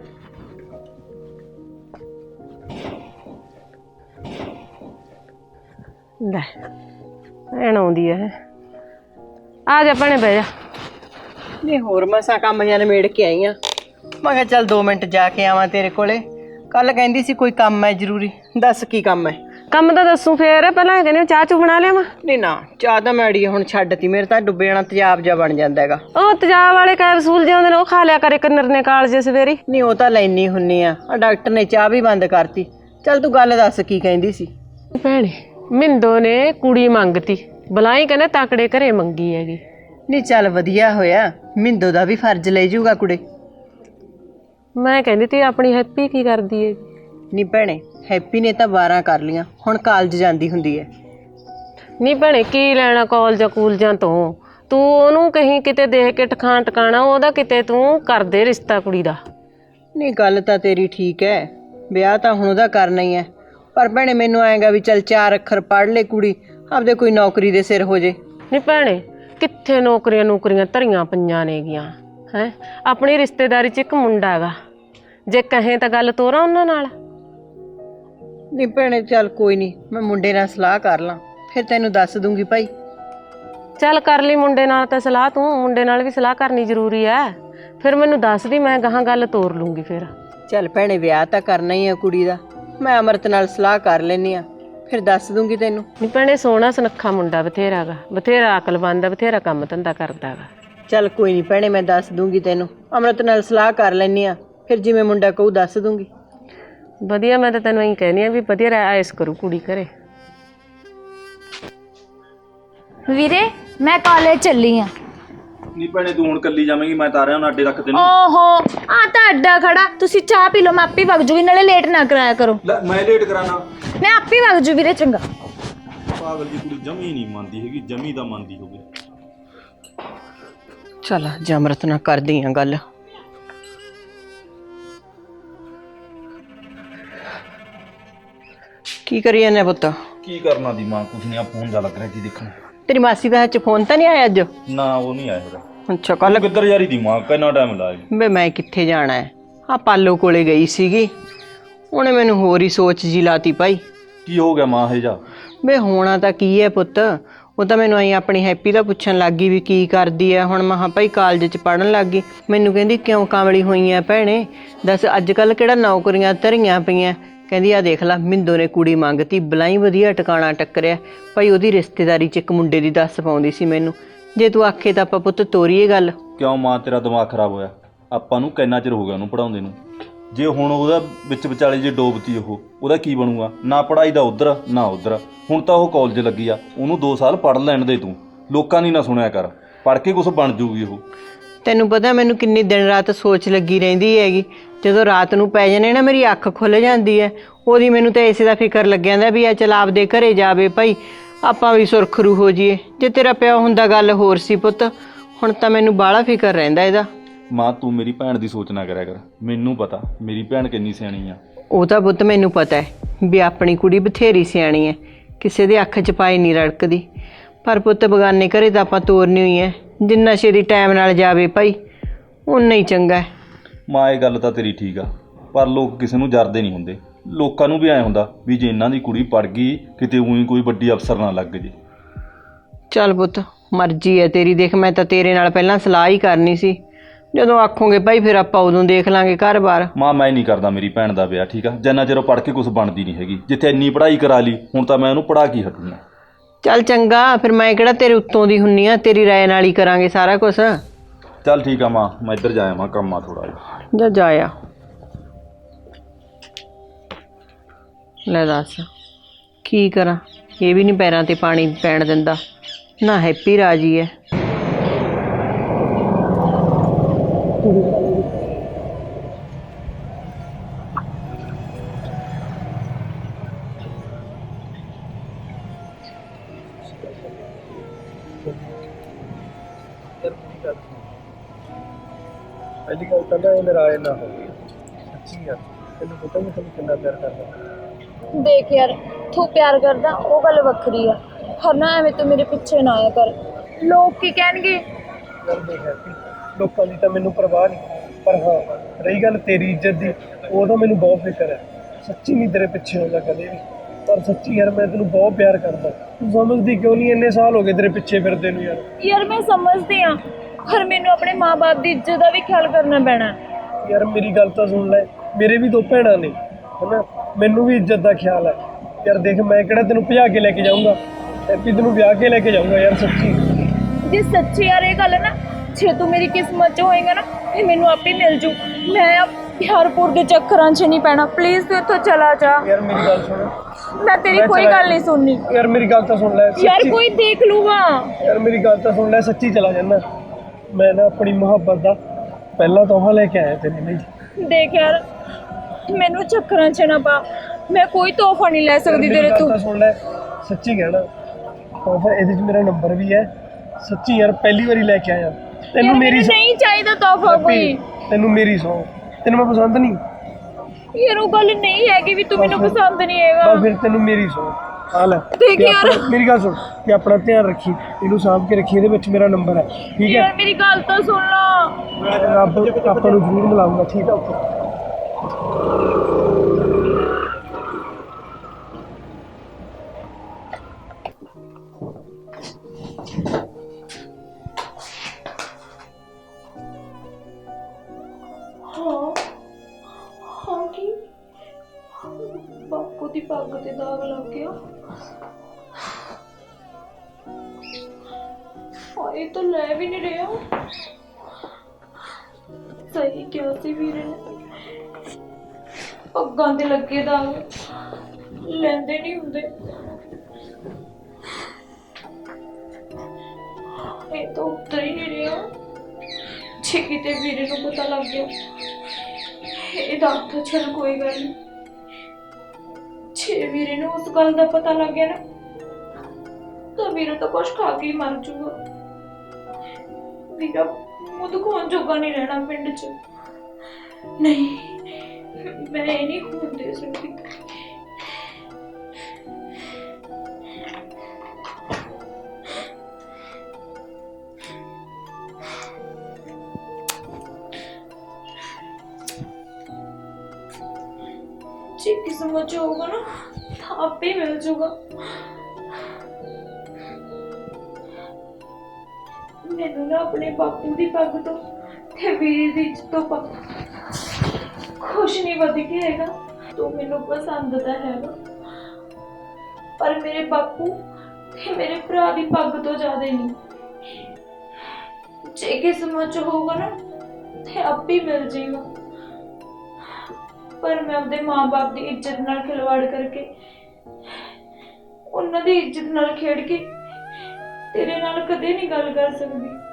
Speaker 4: ਲੈ ਭੈਣ ਆਉਂਦੀ ਹੈ, ਆ ਜਾ ਭੈਣੇ ਬਹਿ ਜਾ।
Speaker 3: ਨਹੀਂ ਹੋਰ ਮਸਾਂ ਕੰਮ ਜਾਂ ਨਿਬੇੜ ਕੇ ਆਈ ਆ, ਮੈਂ ਕਿਹਾ ਚੱਲ ਦੋ ਮਿੰਟ ਜਾ ਕੇ ਆਵਾਂ ਤੇਰੇ ਕੋਲੇ। ਕੱਲ ਕਹਿੰਦੀ ਸੀ ਕੋਈ ਕੰਮ ਹੈ ਜ਼ਰੂਰੀ, ਦੱਸ ਕੀ ਕੰਮ ਹੈ?
Speaker 4: ਕੰਮ ਤਾਂ ਦੱਸੂ ਫੇਰ, ਪਹਿਲਾਂ ਕਹਿੰਦੇ ਚਾਹ ਚੂ ਬਣਾ ਲਿਆਵਾਂ।
Speaker 3: ਨਹੀਂ ਨਾ, ਚਾਹ ਤਾਂ ਮੈਂ ਅੜੀਏ ਹੁਣ ਛੱਡਤੀ, ਮੇਰੇ ਤਾਂ ਡੁੱਬੇ ਜਾਣਾ ਤੇਜ਼ਾਬ ਜਾ ਬਣ ਜਾਂਦਾ ਹੈਗਾ।
Speaker 4: ਉਹ ਤੇਜ਼ਾਬ ਵਾਲੇ ਕੈਪਸੂਲ ਜਿਹੇ ਹੁੰਦੇ ਨੇ, ਉਹ ਖਾ ਲਿਆ ਕਰੇ ਕੰਨਰ ਨੇ ਕਾਲਜੇ ਸਵੇਰੀ।
Speaker 3: ਨਹੀਂ ਉਹ ਤਾਂ ਲੈਣੀ ਹੁੰਨੀ ਆ, ਆ ਡਾਕਟਰ ਨੇ ਚਾਹ ਵੀ ਬੰਦ ਕਰਤੀ। ਚੱਲ ਤੂੰ ਗੱਲ ਦੱਸ ਕੀ ਕਹਿੰਦੀ ਸੀ?
Speaker 4: ਭੈਣੇ ਮਿੰਦੋ ਨੇ ਕੁੜੀ ਮੰਗਤੀ, ਬਲਾਈ ਕਹਿੰਦੇ ਤਾਕੜੇ ਘਰੇ ਮੰਗੀ ਹੈਗੀ।
Speaker 3: ਨਹੀਂ ਚੱਲ ਵਧੀਆ ਹੋਇਆ, ਮਿੰਦੋ ਦਾ ਵੀ ਫਰਜ਼ ਲੈ ਜੂਗਾ ਕੁੜੇ।
Speaker 4: ਮੈਂ ਕਹਿੰਦੀ ਤੀ ਆਪਣੀ ਹੈਪੀ ਕੀ ਕਰਦੀ ਹੈ?
Speaker 3: ਨਹੀਂ ਭੈਣੇ, ਹੈਪੀ ਨੇ ਤਾਂ ਬਾਰਾਂ ਕਰ ਲੀਆਂ, ਹੁਣ ਕਾਲਜ ਜਾਂਦੀ ਹੁੰਦੀ ਹੈ।
Speaker 4: ਨਹੀਂ ਭੈਣੇ ਕੀ ਲੈਣਾ ਕਾਲਜਾਂ ਕੂਲਜਾਂ ਤੋਂ, ਤੂੰ ਉਹਨੂੰ ਕਹੀਂ ਕਿਤੇ ਦੇਖ ਕੇ ਟਿਕਾਣ ਟਿਕਾਣਾ ਉਹਦਾ, ਕਿਤੇ ਤੂੰ ਕਰ ਦੇ ਰਿਸ਼ਤਾ ਕੁੜੀ ਦਾ।
Speaker 3: ਨਹੀਂ ਗੱਲ ਤਾਂ ਤੇਰੀ ਠੀਕ ਹੈ, ਵਿਆਹ ਤਾਂ ਹੁਣ ਉਹਦਾ ਕਰਨਾ ਹੀ ਹੈ, ਪਰ ਭੈਣੇ ਮੈਨੂੰ ਆਏਗਾ ਵੀ ਚੱਲ ਚਾਰ ਅੱਖਰ ਪੜ੍ਹ ਲੈ ਕੁੜੀ, ਆਪਦੇ ਕੋਈ ਨੌਕਰੀ ਦੇ ਸਿਰ ਹੋ ਜੇ।
Speaker 4: ਨਹੀਂ ਭੈਣੇ ਕਿੱਥੇ ਨੌਕਰੀਆਂ ਨੌਕਰੀਆਂ ਧਰੀਆਂ ਪਈਆਂ ਨੇਗੀਆਂ ਹੈ। ਆਪਣੀ ਰਿਸ਼ਤੇਦਾਰੀ 'ਚ ਇੱਕ ਮੁੰਡਾ ਹੈਗਾ, ਜੇ ਕਹੇ ਤਾਂ ਗੱਲ ਤੋਰਾਂ ਉਹਨਾਂ ਨਾਲ।
Speaker 3: ਨਹੀਂ ਭੈਣੇ ਚੱਲ ਕੋਈ ਨਹੀਂ, ਮੈਂ ਮੁੰਡੇ ਨਾਲ ਸਲਾਹ ਕਰ ਲਾਂ, ਫਿਰ ਤੈਨੂੰ ਦੱਸ ਦੂੰਗੀ ਭਾਈ।
Speaker 4: ਚੱਲ ਕਰ ਲਈ ਮੁੰਡੇ ਨਾਲ ਤਾਂ ਸਲਾਹ, ਤੂੰ ਮੁੰਡੇ ਨਾਲ ਵੀ ਸਲਾਹ ਕਰਨੀ ਜ਼ਰੂਰੀ ਹੈ। ਫਿਰ ਮੈਨੂੰ ਦੱਸ ਦੀ, ਮੈਂ ਗਾਹਾਂ ਗੱਲ ਤੋਰ ਲੂੰਗੀ ਫਿਰ।
Speaker 3: ਚੱਲ ਭੈਣੇ ਵਿਆਹ ਤਾਂ ਕਰਨਾ ਹੀ ਆ ਕੁੜੀ ਦਾ, ਮੈਂ ਅਮਰਤ ਨਾਲ ਸਲਾਹ ਕਰ ਲੈਂਦੀ ਆ, ਫਿਰ ਦੱਸ ਦੂੰਗੀ ਤੈਨੂੰ।
Speaker 4: ਨਹੀਂ ਭੈਣੇ ਸੋਹਣਾ ਸੁਨੱਖਾ ਮੁੰਡਾ ਬਥੇਰਾ ਗਾ, ਬਥੇਰਾ ਅਕਲਮੰਦ ਆ, ਬਥੇਰਾ ਕੰਮ ਧੰਦਾ ਕਰਦਾ ਗਾ।
Speaker 3: ਚੱਲ ਕੋਈ ਨਹੀਂ ਭੈਣੇ, ਮੈਂ ਦੱਸ ਦੂੰਗੀ ਤੈਨੂੰ, ਅਮਰਤ ਨਾਲ ਸਲਾਹ ਕਰ ਲੈਂਦੀ ਆ, ਫਿਰ ਜਿਵੇਂ ਮੁੰਡਾ ਕਹੂ ਦੱਸ ਦੂੰਗੀ।
Speaker 4: ਵਧੀਆ, ਮੈਂ ਤਾਂ ਤੈਨੂੰ ਇਹੀ ਕਹਿੰਦੀ ਆ ਵੀ ਵਧੀਆ ਐਸ ਕਰੂ ਕੁੜੀ ਘਰੇ।
Speaker 2: ਵੀਰੇ ਮੈਂ ਕਾਲਜ ਚੱਲੀ ਆ।
Speaker 1: ਨਹੀਂ ਭੈਣੇ ਤੂੰ ਹੁਣ ਕੱਲੀ ਜਾਵੇਂਗੀ, ਮੈਂ ਤਾਂ ਆ ਰਿਹਾ ਹੁਣ ਅੱਡੇ ਤੱਕ ਤੈਨੂੰ।
Speaker 2: ਓਹੋ ਆ ਤਾਂ ਅੱਡਾ ਖੜਾ, ਤੁਸੀਂ ਚਾਹ ਪੀ ਲਓ, ਮੈਂ ਆਪੇ ਵਗ ਜੂਗੀ, ਨਾਲੇ ਲੇਟ ਨਾ ਕਰਾਇਆ ਕਰੋ।
Speaker 1: ਲੈ ਮੈਂ ਲੇਟ ਕਰਾਣਾ,
Speaker 2: ਮੈਂ ਆਪੇ ਵਗ ਜੂ ਵੀਰੇ, ਚੰਗਾ।
Speaker 1: ਪਾਗਲ ਜੀ ਕੁੜੀ ਜਮੀ ਨਹੀਂ ਮੰਨਦੀ ਹੈਗੀ, ਜਮੀ ਤਾਂ ਮੰਨਦੀ ਹੋਵੇ।
Speaker 3: ਚੱਲ ਅੱਜ ਅਮਰਤ ਨਾਲ ਕਰਦੀ ਆ ਗੱਲ। ਕੀ ਕਰੀ ਜਾਂਦੇ ਪੁੱਤ?
Speaker 1: ਕੀ ਕਰਨਾ ਦੀ ਮਾਂ, ਕੁਛ ਨਹੀਂ, ਆ ਫੋਨ ਜਾ ਲੱਗ ਰਿਹਾ, ਕੀ ਦੇਖਣਾ।
Speaker 3: ਤੇਰੀ ਮਾਸੀ ਦਾ ਹੱਥ 'ਚ ਫੋਨ ਤਾਂ ਨਹੀਂ ਆਇਆ ਅੱਜ?
Speaker 1: ਨਾ ਉਹ ਨਹੀਂ ਆਇਆ ਹੈਗਾ।
Speaker 3: ਅੱਛਾ ਕੱਲ
Speaker 1: ਕਿੱਧਰ ਯਾਰੀ ਦੀ ਮਾਂ, ਕਿੰਨਾ ਟਾਈਮ ਲਾਇਆ।
Speaker 3: ਵੇ ਮੈਂ ਕਿੱਥੇ ਜਾਣਾ ਹੈ, ਆ ਪਾਲੋ ਕੋਲੇ ਗਈ ਸੀਗੀ, ਉਹਨੇ ਮੈਨੂੰ ਹੋਰ ਹੀ ਸੋਚ ਜੀ ਲਾਤੀ ਭਾਈ।
Speaker 1: ਕੀ ਹੋ ਗਿਆ ਮਾਂ ਇਹ ਜਾ?
Speaker 3: ਵੇ ਹੋਣਾ ਤਾਂ ਕੀ ਹੈ ਪੁੱਤ, ਉਹ ਤਾਂ ਮੈਨੂੰ ਆਈ ਆਪਣੀ ਹੈਪੀ ਦਾ ਪੁੱਛਣ ਲੱਗ ਗਈ ਵੀ ਕੀ ਕਰਦੀ ਹੈ ਹੁਣ। ਮਹਾਂ ਭਾਈ ਕਾਲਜ 'ਚ ਪੜ੍ਹਨ ਲੱਗ ਗਈ। ਮੈਨੂੰ ਕਹਿੰਦੀ ਕਿਉਂ ਕਾਮਲੀ ਹੋਈ ਹੈ ਭੈਣੇ, ਦੱਸ ਅੱਜ ਕੱਲ੍ਹ ਕਿਹੜਾ ਨੌਕਰੀਆਂ ਧਰੀਆਂ ਪਈਆਂ। ਕਹਿੰਦੀ ਆ ਦੇਖ ਲਾ ਮਿੰਦੋ ਨੇ ਕੁੜੀ ਮੰਗਤੀ, ਬਲਾਈ ਵਧੀਆ ਟਿਕਾਣਾ ਟੱਕਰਿਆ ਭਾਈ, ਉਹਦੀ ਰਿਸ਼ਤੇਦਾਰੀ 'ਚ ਇੱਕ ਮੁੰਡੇ ਦੀ ਦੱਸ ਪਾਉਂਦੀ ਸੀ ਮੈਨੂੰ। ਜੇ ਤੂੰ ਆਖੇ ਤਾਂ ਆਪਾਂ ਪੁੱਤ ਤੋਰੀਏ ਗੱਲ।
Speaker 1: ਕਿਉਂ ਮਾਂ ਤੇਰਾ ਦਿਮਾਗ ਖਰਾਬ ਹੋਇਆ? ਆਪਾਂ ਨੂੰ ਕਿੰਨਾ ਚਿਰ ਹੋ ਗਿਆ ਉਹਨੂੰ ਪੜਾਉਂਦੇ ਨੂੰ, ਜੇ ਹੁਣ ਉਹਦਾ ਵਿੱਚ ਵਿਚਾਲੇ ਜੇ ਡੋਬਤੀ ਉਹ, ਉਹਦਾ ਕੀ ਬਣੂਗਾ? ਨਾ ਪੜ੍ਹਾਈ ਦਾ ਉੱਧਰ ਨਾ ਉੱਧਰ। ਹੁਣ ਤਾਂ ਉਹ ਕਾਲਜ ਲੱਗੀ ਆ, ਉਹਨੂੰ ਦੋ ਸਾਲ ਪੜ੍ਹ ਲੈਣ ਦੇ ਤੂੰ, ਲੋਕਾਂ ਦੀ ਨਾ ਸੁਣਿਆ ਕਰ, ਪੜ੍ਹ ਕੇ ਕੁਛ ਬਣ ਜੂਗੀ ਉਹ।
Speaker 3: ਤੈਨੂੰ ਪਤਾ ਮੈਨੂੰ ਕਿੰਨੀ ਦਿਨ ਰਾਤ ਸੋਚ ਲੱਗੀ ਰਹਿੰਦੀ ਹੈਗੀ, ਜਦੋਂ ਰਾਤ ਨੂੰ ਪੈ ਜਾਣੇ ਨਾ ਮੇਰੀ ਅੱਖ ਖੁੱਲ੍ਹ ਜਾਂਦੀ ਹੈ, ਉਹਦੀ ਮੈਨੂੰ ਤਾਂ ਇਸੇ ਦਾ ਫਿਕਰ ਲੱਗਿਆ ਜਾਂਦਾ ਵੀ ਆ ਚਲ ਆਪਦੇ ਘਰੇ ਜਾਵੇ ਭਾਈ, ਆਪਾਂ ਵੀ ਸੁਰਖਰੂ ਹੋ ਜਾਈਏ। ਜੇ ਤੇਰਾ ਪਿਓ ਹੁੰਦਾ ਗੱਲ ਹੋਰ ਸੀ ਪੁੱਤ, ਹੁਣ ਤਾਂ ਮੈਨੂੰ ਬਾਹਲਾ ਫਿਕਰ ਰਹਿੰਦਾ ਇਹਦਾ।
Speaker 1: ਮਾਂ ਤੂੰ ਮੇਰੀ ਭੈਣ ਦੀ ਸੋਚ ਨਾ ਕਰਿਆ ਕਰ, ਮੈਨੂੰ ਪਤਾ ਮੇਰੀ ਭੈਣ ਕਿੰਨੀ ਸਿਆਣੀ ਆ।
Speaker 3: ਉਹ ਤਾਂ ਪੁੱਤ ਮੈਨੂੰ ਪਤਾ ਹੈ ਵੀ ਆਪਣੀ ਕੁੜੀ ਬਥੇਰੀ ਸਿਆਣੀ ਹੈ, ਕਿਸੇ ਦੇ ਅੱਖ 'ਚ ਪਾਈ ਨਹੀਂ ਰੜਕਦੀ, ਪਰ ਪੁੱਤ ਬਗਾਨੇ ਘਰੇ ਤਾਂ ਆਪਾਂ ਤੋਰਨੀ ਹੋਈ ਹੈ, ਜਿੰਨਾ ਛੇਤੀ ਟਾਈਮ ਨਾਲ ਜਾਵੇ ਭਾਈ ਓਨਾ ਹੀ ਚੰਗਾ ਹੈ।
Speaker 1: ਮਾਂ ਇਹ ਗੱਲ ਤਾਂ ਤੇਰੀ ਠੀਕ ਆ, ਪਰ ਲੋਕ ਕਿਸੇ ਨੂੰ ਜਰਦੇ ਨਹੀਂ ਹੁੰਦੇ। ਲੋਕਾਂ ਨੂੰ ਵੀ ਐਂ ਹੁੰਦਾ ਵੀ ਜੇ ਇਹਨਾਂ ਦੀ ਕੁੜੀ ਪੜ ਗਈ ਕਿਤੇ ਉਹੀ ਕੋਈ ਵੱਡੀ ਅਫਸਰ ਨਾ ਲੱਗ ਜੇ।
Speaker 3: ਚੱਲ ਪੁੱਤ ਮਰਜ਼ੀ ਹੈ ਤੇਰੀ, ਦੇਖ ਮੈਂ ਤਾਂ ਤੇਰੇ ਨਾਲ ਪਹਿਲਾਂ ਸਲਾਹ ਹੀ ਕਰਨੀ ਸੀ, ਜਦੋਂ ਆਖੋਗੇ ਭਾਈ ਫਿਰ ਆਪਾਂ ਉਦੋਂ ਦੇਖ ਲਾਂਗੇ ਘਰ-ਬਾਰ।
Speaker 1: ਮਾਂ ਮੈਂ ਨਹੀਂ ਕਰਦਾ ਮੇਰੀ ਭੈਣ ਦਾ ਵਿਆਹ, ਠੀਕ ਆ? ਜਿੰਨਾ ਚਿਰ ਉਹ ਪੜ੍ਹ ਕੇ ਕੁਛ ਬਣਦੀ ਨਹੀਂ ਹੈਗੀ, ਜਿੱਥੇ ਇੰਨੀ ਪੜ੍ਹਾਈ ਕਰਾ ਲਈ ਹੁਣ ਤਾਂ ਮੈਂ ਉਹਨੂੰ ਪੜ੍ਹਾ ਕੇ ਹਟੂੰਗਾ।
Speaker 3: ਚੱਲ ਚੰਗਾ, ਫਿਰ ਮੈਂ ਕਿਹੜਾ ਤੇਰੇ ਉੱਤੋਂ ਦੀ ਹੁੰਨੀ ਆ, ਤੇਰੀ ਰਾਏ ਨਾਲ ਹੀ ਕਰਾਂਗੇ ਸਾਰਾ ਕੁਛ।
Speaker 1: ਚੱਲ ਠੀਕ ਆ ਮਾਂ, ਮੈਂ ਇੱਧਰ ਜਾਇਆ ਮਾਂ, ਕੰਮ ਆ ਥੋੜਾ ਜਿਹਾ।
Speaker 3: ਜਾ ਜਾਇਆ ਲੈ ਦੱਸ ਕੀ ਕਰਾਂ, ਇਹ ਵੀ ਨਹੀਂ ਪੈਰਾਂ ਤੇ ਪਾਣੀ ਪੈਣ ਦਿੰਦਾ, ਨਾ ਹੈਪੀ ਰਾਜੀ ਹੈ।
Speaker 6: ਪਹਿਲੀ ਗੱਲ ਤਾਂ ਨਾ ਇਹ ਨਾਰਾਜ਼ ਨਾ ਹੋਵੇ, ਸੱਚੀ ਯਾਰ ਤੈਨੂੰ ਪਤਾ ਮੈਂ ਤੈਨੂੰ ਕਿੰਨਾ ਪਿਆਰ ਕਰਦਾ।
Speaker 2: ਦੇਖ ਯਾਰ ਤੂੰ ਪਿਆਰ ਕਰਦਾ ਉਹ ਗੱਲ ਵੱਖਰੀ ਆ, ਪਰ ਨਾ ਐਵੇਂ ਤੂੰ ਮੇਰੇ ਪਿੱਛੇ ਨਾ ਆਇਆ ਕਰ, ਲੋਕ ਕੀ ਕਹਿਣਗੇ।
Speaker 6: ਯਾਰ ਦੇਖ ਹੈਪੀ, ਲੋਕਾਂ ਦੀ ਤਾਂ ਮੈਨੂੰ ਪਰਵਾਹ ਨਹੀਂ, ਪਰ ਹਾਂ ਰਹੀ ਗੱਲ ਤੇਰੀ ਇੱਜ਼ਤ ਦੀ, ਉਹ ਤਾਂ ਮੈਨੂੰ ਬਹੁਤ ਫਿਕਰ ਹੈ। ਸੱਚੀ ਨਹੀਂ ਤੇਰੇ ਪਿੱਛੇ ਹੋਣਾ ਕਦੇ ਵੀ, ਪਰ ਸੱਚੀ ਯਾਰ ਮੈਂ ਤੈਨੂੰ ਬਹੁਤ ਪਿਆਰ ਕਰਦਾ। ਤੂੰ ਸਮਝਦੀ ਕਿਉਂ ਨਹੀਂ, ਇੰਨੇ ਸਾਲ ਹੋ ਗਏ ਤੇਰੇ ਪਿੱਛੇ ਫਿਰਦੇ ਨੂੰ ਯਾਰ।
Speaker 2: ਯਾਰ ਮੈਂ ਸਮਝਦੀ ਆ, ਪਰ ਮੈਨੂੰ ਆਪਣੇ ਮਾਂ-ਬਾਪ ਦੀ ਇੱਜ਼ਤ ਦਾ ਵੀ ਖਿਆਲ ਕਰਨਾ ਪੈਣਾ।
Speaker 6: ਯਾਰ ਮੇਰੀ ਗੱਲ ਤਾਂ ਸੁਣ ਲੈ, ਮੇਰੇ ਵੀ ਦੋ ਭੈਣਾਂ ਨੇ ਹਨਾ, ਮੈਨੂੰ ਵੀ ਇੱਜ਼ਤ ਦਾ ਖਿਆਲ ਹੈ ਯਾਰ। ਦੇਖ ਮੈਂ ਕਿਹੜਾ ਤੈਨੂੰ ਭਜਾ ਕੇ ਲੈ ਕੇ ਜਾਊਂਗਾ, ਹੈਪੀ ਤੈਨੂੰ ਵਿਆਹ ਕੇ ਲੈ ਕੇ ਜਾਊਂਗਾ ਯਾਰ। ਸੱਚੀ
Speaker 2: ਜੇ ਸੱਚੀ ਯਾਰ ਇਹ ਗੱਲ ਹੈ ਨਾ, ਜੇ ਤੂੰ ਮੇਰੀ ਕਿਸਮਤ 'ਚ ਹੋਏਗਾ ਨਾ ਫਿਰ ਮੈਨੂੰ ਆਪੇ ਮਿਲ ਜੂ। ਮੈਂ ਆ ਪਿਆਰਪੁਰ ਦੇ ਚੱਕਰਾਂ 'ਚ ਨਹੀਂ ਪੈਣਾ, ਪਲੀਜ਼ ਤੂੰ ਇੱਥੋਂ ਚਲਾ ਜਾ।
Speaker 6: ਯਾਰ ਮੇਰੀ ਗੱਲ ਸੁਣ,
Speaker 2: ਮੈਂ ਤੇਰੀ ਕੋਈ ਗੱਲ ਨਹੀਂ ਸੁਣਨੀ।
Speaker 6: ਯਾਰ ਮੇਰੀ ਗੱਲ ਤਾਂ ਸੁਣ ਲੈ
Speaker 2: ਯਾਰ ਕੋਈ ਦੇਖ ਲੂਗਾ।
Speaker 6: ਯਾਰ ਮੇਰੀ ਗੱਲ ਤਾਂ ਸੁਣ ਲੈ, ਸੱਚੀ ਚਲਾ ਜਾਣਾ ਮੈਂ ਨਾ। ਆਪਣੀ ਮੁਹੱਬਤ ਦਾ ਪਹਿਲਾ ਤੋਹਫਾ ਲੈ ਕੇ ਆਇਆ ਤੇਰੇ ਲਈ।
Speaker 2: ਦੇਖ ਯਾਰ ਮੈਨੂੰ ਚੱਕਰਾਂ 'ਚ ਨਾ ਪਾ, ਮੈਂ ਕੋਈ ਤੋਹਫਾ ਨਹੀਂ ਲੈ ਸਕਦੀ ਤੇਰੇ ਤੋਂ।
Speaker 6: ਸੁਣ ਲੈ ਸੱਚੀ ਕਹਿਣਾ, ਤੋਹਫਾ ਇਹਦੇ 'ਚ ਮੇਰਾ ਨੰਬਰ ਵੀ ਹੈ। ਸੱਚੀ ਯਾਰ ਪਹਿਲੀ ਵਾਰੀ ਲੈ ਕੇ ਆਇਆ ਤੈਨੂੰ ਮੇਰੀ ਸੌਂ-
Speaker 2: ਨਹੀਂ ਚਾਹੀਦਾ ਤੋਹਫਾ ਕੋਈ।
Speaker 6: ਤੈਨੂੰ ਮੇਰੀ ਸੌ ਤੈਨੂੰ ਮੈਂ ਪਸੰਦ ਨਹੀਂ।
Speaker 2: ਯਾਰ ਉਹ ਗੱਲ ਨਹੀਂ ਹੈਗੀ ਵੀ ਤੂੰ ਮੈਨੂੰ ਪਸੰਦ ਨਹੀਂ ਹੈਗਾ।
Speaker 6: ਬਸ ਫਿਰ ਤੈਨੂੰ ਮੇਰੀ ਸੌ ਆ ਲੈ
Speaker 2: ਦੇਖ
Speaker 6: ਤੇ
Speaker 2: ਯਾਰ।
Speaker 6: ਆਪਣਾ- ਮੇਰੀ ਗੱਲ ਸੁਣ ਤੇ ਆਪਣਾ ਧਿਆਨ ਰੱਖੀ, ਇਹਨੂੰ ਸਾਂਭ ਕੇ ਰੱਖੀ, ਇਹਦੇ ਵਿੱਚ ਮੇਰਾ ਨੰਬਰ ਹੈ ਠੀਕ ਹੈ।
Speaker 2: ਯਾਰ ਮੇਰੀ ਗੱਲ ਤਾਂ ਸੁਣ ਲਾ।
Speaker 6: ਰੱਬ ਆਪਾਂ ਨੂੰ ਜ਼ਰੂਰ ਮਿਲਾਊਗਾ ਠੀਕ ਹੈ ਓਕੇ।
Speaker 2: ਹਾਂ ਹਾਂ ਕੀ ਬਾਪੂ ਦੀ ਪੱਗ ਤੇ ਦਾਗ ਲੱਗ ਗਿਆ। ਹਾਂ ਇਹ ਤਾਂ ਲੈ ਵੀ ਨਹੀਂ ਰਿਹਾ। ਸਹੀ ਕਿਹਾ ਸੀ ਵੀਰੇ ਨੇ, ਪੱਗਾਂ ਤੇ ਲੱਗੇ ਦਾਗ ਲੈਂਦੇ ਨਹੀਂ ਹੁੰਦੇ। ਇਹ ਤਾਂ ਉੱਤਰ ਹੀ ਨਹੀਂ ਰਿਹਾ। ਜੇ ਕਿਤੇ ਵੀਰੇ ਨੂੰ ਪਤਾ ਲੱਗ ਗਿਆ ਇਹਦਾ ਤਾਂ ਚੱਲ ਕੋਈ ਗੱਲ ਨਹੀਂ। ਜੇ ਵੀਰੇ ਨੂੰ ਉਸ ਗੱਲ ਦਾ ਪਤਾ ਲੱਗ ਗਿਆ ਨਾ ਤਾਂ ਵੀਰਾ ਤਾਂ ਕੁਛ ਖਾ ਕੇ ਹੀ ਮਰ ਜੂਗਾ। ਵੀਰਾ ਉਹ ਦੁਕਾਨ ਜੋਗਾ ਨਹੀਂ ਰਹਿਣਾ ਪਿੰਡ 'ਚ। ਨਹੀਂ ਮੈਂ ਇਹ ਨਹੀਂ ਹੋਣ ਦੇ ਸਕਦੀ। ਜੇ ਕਿਸਮਤ 'ਚ ਹੋਊਗਾ ਨਾ ਤਾਂ ਆਪੇ ਹੀ ਮਿਲ ਜੂਗਾ। ਮੈਨੂੰ ਨਾ ਆਪਣੇ ਬਾਪੂ ਦੀ ਪੱਗ ਤੋਂ ਤੇ ਵੀਰ ਦੀ ਇੱਜ਼ਤ ਤੋਂ ਕੁਛ ਨਹੀਂ ਵੱਧ ਕੇ ਹੈਗਾ। ਤੂੰ ਮੈਨੂੰ ਪਸੰਦ ਤਾਂ ਹੈਗਾ ਪਰ ਮੇਰੇ ਬਾਪੂ ਤੇ ਮੇਰੇ ਭਰਾ ਦੀ ਪੱਗ ਤੋਂ ਜ਼ਿਆਦਾ ਨਹੀਂ। ਜੇ ਕਿਸਮਤ 'ਚ ਹੋਊਗਾ ਨਾ ਤੇ ਆਪੇ ਹੀ ਮਿਲ ਜਾਏਗਾ। ਪਰ ਮੈਂ ਆਪਣੇ ਮਾਂ-ਬਾਪ ਦੀ ਇੱਜ਼ਤ ਨਾਲ ਖਿਲਵਾੜ ਕਰਕੇ ਉਹਨਾਂ ਦੀ ਇੱਜ਼ਤ ਨਾਲ ਖੇਡ ਕੇ ਤੇਰੇ ਨਾਲ ਕਦੇ ਨਹੀਂ ਗੱਲ ਕਰ ਸਕਦੀ।